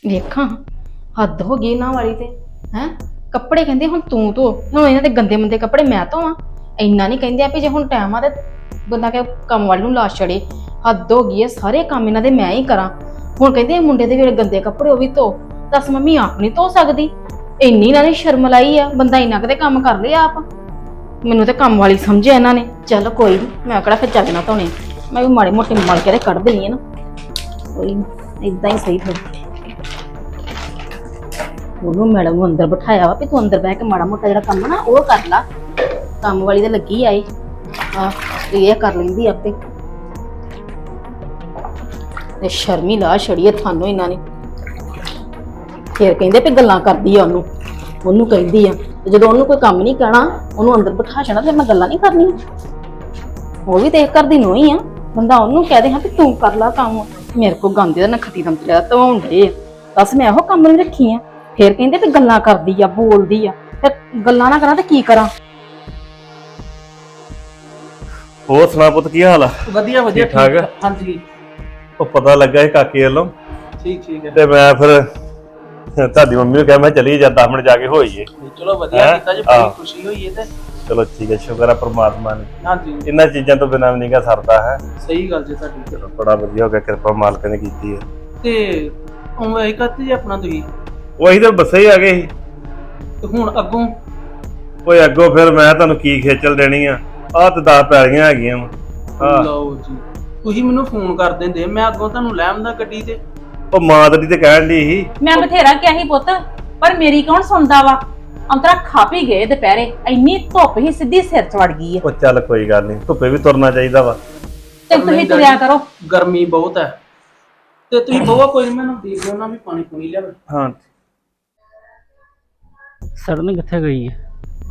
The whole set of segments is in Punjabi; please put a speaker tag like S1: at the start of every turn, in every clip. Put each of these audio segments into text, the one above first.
S1: ਵੇਖਾਂ ਹੱਦ ਹੋ ਗਈ ਇਹਨਾਂ ਵਾਲੀ ਤੇ ਹੈ। ਕੱਪੜੇ ਕਹਿੰਦੇ ਹੁਣ ਤੂੰ ਧੋ, ਹੁਣ ਇਹਨਾਂ ਦੇ ਗੰਦੇ ਮੰਦੇ ਕੱਪੜੇ ਮੈਂ ਧੋਵਾਂ? ਇੰਨਾ ਨਹੀਂ ਕਹਿੰਦੇ ਆ ਵੀ ਜੇ ਹੁਣ ਟਾਈਮ ਆ ਤੇ ਬੰਦਾ ਕਿ ਕੰਮ ਵਾਲੀ ਨੂੰ ਲਾ ਛੜੇ। ਹੱਦ ਹੋ ਗਈ ਹੈ, ਸਾਰੇ ਕੰਮ ਇਹਨਾਂ ਦੇ ਮੈਂ ਹੀ ਕਰਾਂ। ਹੁਣ ਕਹਿੰਦੇ ਮੁੰਡੇ ਦੇ ਜਿਹੜੇ ਗੰਦੇ ਕੱਪੜੇ ਉਹ ਵੀ ਧੋ। ਦੱਸ ਮੰਮੀ ਆਪ ਨਹੀਂ ਧੋ ਸਕਦੀ? ਇੰਨੀ ਇਹਨਾਂ ਨੇ ਸ਼ਰਮ ਲਾਈ ਆ, ਬੰਦਾ ਇੰਨਾ ਕਦੇ ਕੰਮ ਕਰ ਲਿਆ ਆਪ? ਮੈਨੂੰ ਤੇ ਕੰਮ ਵਾਲੀ ਸਮਝਿਆ ਇਹਨਾਂ ਨੇ। ਚੱਲ ਕੋਈ ਨਹੀਂ, ਮੈਂ ਕਿਹੜਾ ਫਿਰ ਚੱਲਣਾ ਧੋਣੇ, ਮੈਂ ਵੀ ਮਾੜੇ ਮੋਟੇ ਮਲ ਕੇ ਤੇ ਕੱਢ ਦੇਣੀ ਹੈ ਨਾ। ਕੋਈ ਨਹੀਂ, ਇਦਾਂ ਹੀ ਸਹੀ ਫਿਰ। ਉਹਨੂੰ ਮੈਡਮ ਨੂੰ ਅੰਦਰ ਬਿਠਾਇਆ ਵਾ ਵੀ ਤੂੰ ਅੰਦਰ ਬਹਿ ਕੇ ਮਾੜਾ ਮੋਟਾ ਜਿਹੜਾ ਕੰਮ ਨਾ ਉਹ ਕਰ ਲਾ। ਕੰਮ ਵਾਲੀ ਤੇ ਲੱਗੀ ਆਏ ਆ, ਇਹ ਕਰ ਲੈਂਦੀ ਆਪੇ। ਤੇ ਸ਼ਰਮੀ ਲਾ ਛੜੀਏ ਤੁਹਾਨੂੰ ਇਹਨਾਂ ਨੇ। ਫਿਰ ਕਹਿੰਦੇ ਵੀ ਗੱਲਾਂ ਕਰਦੀ ਆ ਉਹਨੂੰ ਕਹਿੰਦੀ ਆ। ਤੇ ਜਦੋਂ ਉਹਨੂੰ ਕੋਈ ਕੰਮ ਨਹੀਂ ਕਹਿਣਾ, ਉਹਨੂੰ ਅੰਦਰ ਬਿਠਾ ਛਣਾ ਤੇ ਮੈਂ ਗੱਲਾਂ ਨਹੀਂ ਕਰਨੀਆਂ। ਉਹ ਵੀ ਦੇਖ ਕਰਦੀ ਨੂੰ ਹੀ ਆ, ਬੰਦਾ ਉਹਨੂੰ ਕਹਿ ਦੇ ਹਾਂ ਵੀ ਤੂੰ ਕਰ ਲਾ ਕੰਮ। ਮੇਰੇ ਕੋਲ ਗੰਦੇ ਦਾ ਨਖਤੀ ਦਮ ਤੇ ਧਵਾਉਣ ਡੇ ਆ। ਦੱਸ ਮੈਂ ਇਹੋ ਕੰਮ ਨਹੀਂ ਰੱਖੀ ਆ। ਫਿਰ ਕਹਿੰਦੇ ਵੀ ਗੱਲਾਂ ਕਰਦੀ ਆ, ਬੋਲਦੀ ਆ। ਫਿਰ ਗੱਲਾਂ ਨਾ ਕਰਾਂ ਤੇ ਕੀ ਕਰਾਂ?
S2: ਹੋਰ ਸੁਣਾ ਪੁੱਤ, ਕੀ ਹਾਲ ਆ?
S3: ਵਧੀਆ ਵਧੀਆ
S2: ਠੀਕ ਠਾਕ?
S3: ਹਾਂਜੀ
S2: ਉਹ ਪਤਾ ਲੱਗਾ ਸੀ ਕਾਕੇ ਵੱਲੋਂ,
S3: ਠੀਕ ਹੈ।
S2: ਤੇ ਮੈਂ ਫਿਰ ਤੁਹਾਡੀ ਮੰਮੀ ਨੂੰ ਕਿਹਾ ਮੈਂ ਚਲੀ ਜਾ 10 ਮਿੰਟ ਜਾ ਕੇ ਹੋਈਏ।
S3: ਚਲੋ ਵਧੀਆ ਕੀਤਾ ਜੀ, ਬੜੀ ਖੁਸ਼ੀ ਹੋਈ ਹੈ ਤੇ
S2: ਚਲੋ ਠੀਕ ਹੈ, ਸ਼ੁਕਰ ਆ ਪ੍ਰਮਾਤਮਾ ਨੇ।
S3: ਹਾਂਜੀ
S2: ਇਹਨਾਂ ਚੀਜ਼ਾਂ ਤੋਂ ਬਿਨਾਂ ਵੀ ਨਹੀਂਗਾ ਸਰਦਾ ਹੈ।
S3: ਸਹੀ ਗੱਲ ਜੀ ਤੁਹਾਡੀ।
S2: ਚਲੋ ਬੜਾ ਵਧੀਆ ਹੋ ਗਿਆ, ਕਿਰਪਾ ਮਾਲਕ ਨੇ ਕੀਤੀ ਹੈ।
S3: ਤੇ ਉਹ ਇਹ ਕਰਤੇ ਜੀ ਆਪਣਾ ਤੁਸੀਂ
S2: ਉਹ ਅਸੀਂ ਤਾਂ ਬੱਸੇ ਹੀ ਆ ਗਏ ਸੀ।
S3: ਤੇ ਹੁਣ ਅੱਗੋਂ
S2: ਓਏ ਅੱਗੋਂ ਫਿਰ ਮੈਂ ਤੁਹਾਨੂੰ ਕੀ ਖੇਚਲ ਦੇਣੀ ਆ? ਆਹ ਤੇ 10 ਪੈਲੀਆਂ ਹੈਗੀਆਂ ਵਾ।
S3: ਲਓ ਜੀ, ਤੁਸੀਂ ਮੈਨੂੰ ਫੋਨ ਕਰ ਦਿੰਦੇ, ਮੈਂ ਅੱਗੋਂ ਤੁਹਾਨੂੰ ਲੈ ਆਉਂਦਾ ਗੱਡੀ ਤੇ।
S2: ਉਹ ਮਾਂ ਤੇਰੀ ਤੇ ਕਹਿਣ ਦੀ ਸੀ।
S4: ਮੈਂ ਬਥੇਰਾ ਕਿਹਾ ਸੀ ਪੁੱਤ, ਪਰ ਮੇਰੀ ਕੌਣ ਸੁਣਦਾ ਵਾ। ਅੰਤਰਾ ਖਾ ਪੀ ਗਏ ਦੁਪਹਿਰੇ, ਇੰਨੀ ਧੁੱਪ ਹੀ ਸਿੱਧੀ ਸਿਰ ਚ ਵੜ ਗਈ ਹੈ।
S2: ਉਹ ਚੱਲ ਕੋਈ ਗੱਲ ਨਹੀਂ, ਧੁੱਪੇ ਵੀ ਤੁਰਨਾ ਚਾਹੀਦਾ ਵਾ।
S4: ਤੇ ਤੁਸੀਂ ਤੁਰਿਆ ਕਰੋ।
S3: ਗਰਮੀ ਬਹੁਤ ਹੈ ਤੇ ਤੁਸੀਂ ਬਹੁਤ ਕੋਈ ਨਹੀਂ, ਮੈਨੂੰ ਦੇਖ ਲਿਓ ਨਾ ਵੀ ਪਾਣੀ ਪੂਣੀ ਲਿਆਵੇ।
S2: ਹਾਂ
S5: ਸੜਨ ਕਿੱਥੇ ਗਈ ਹੈ?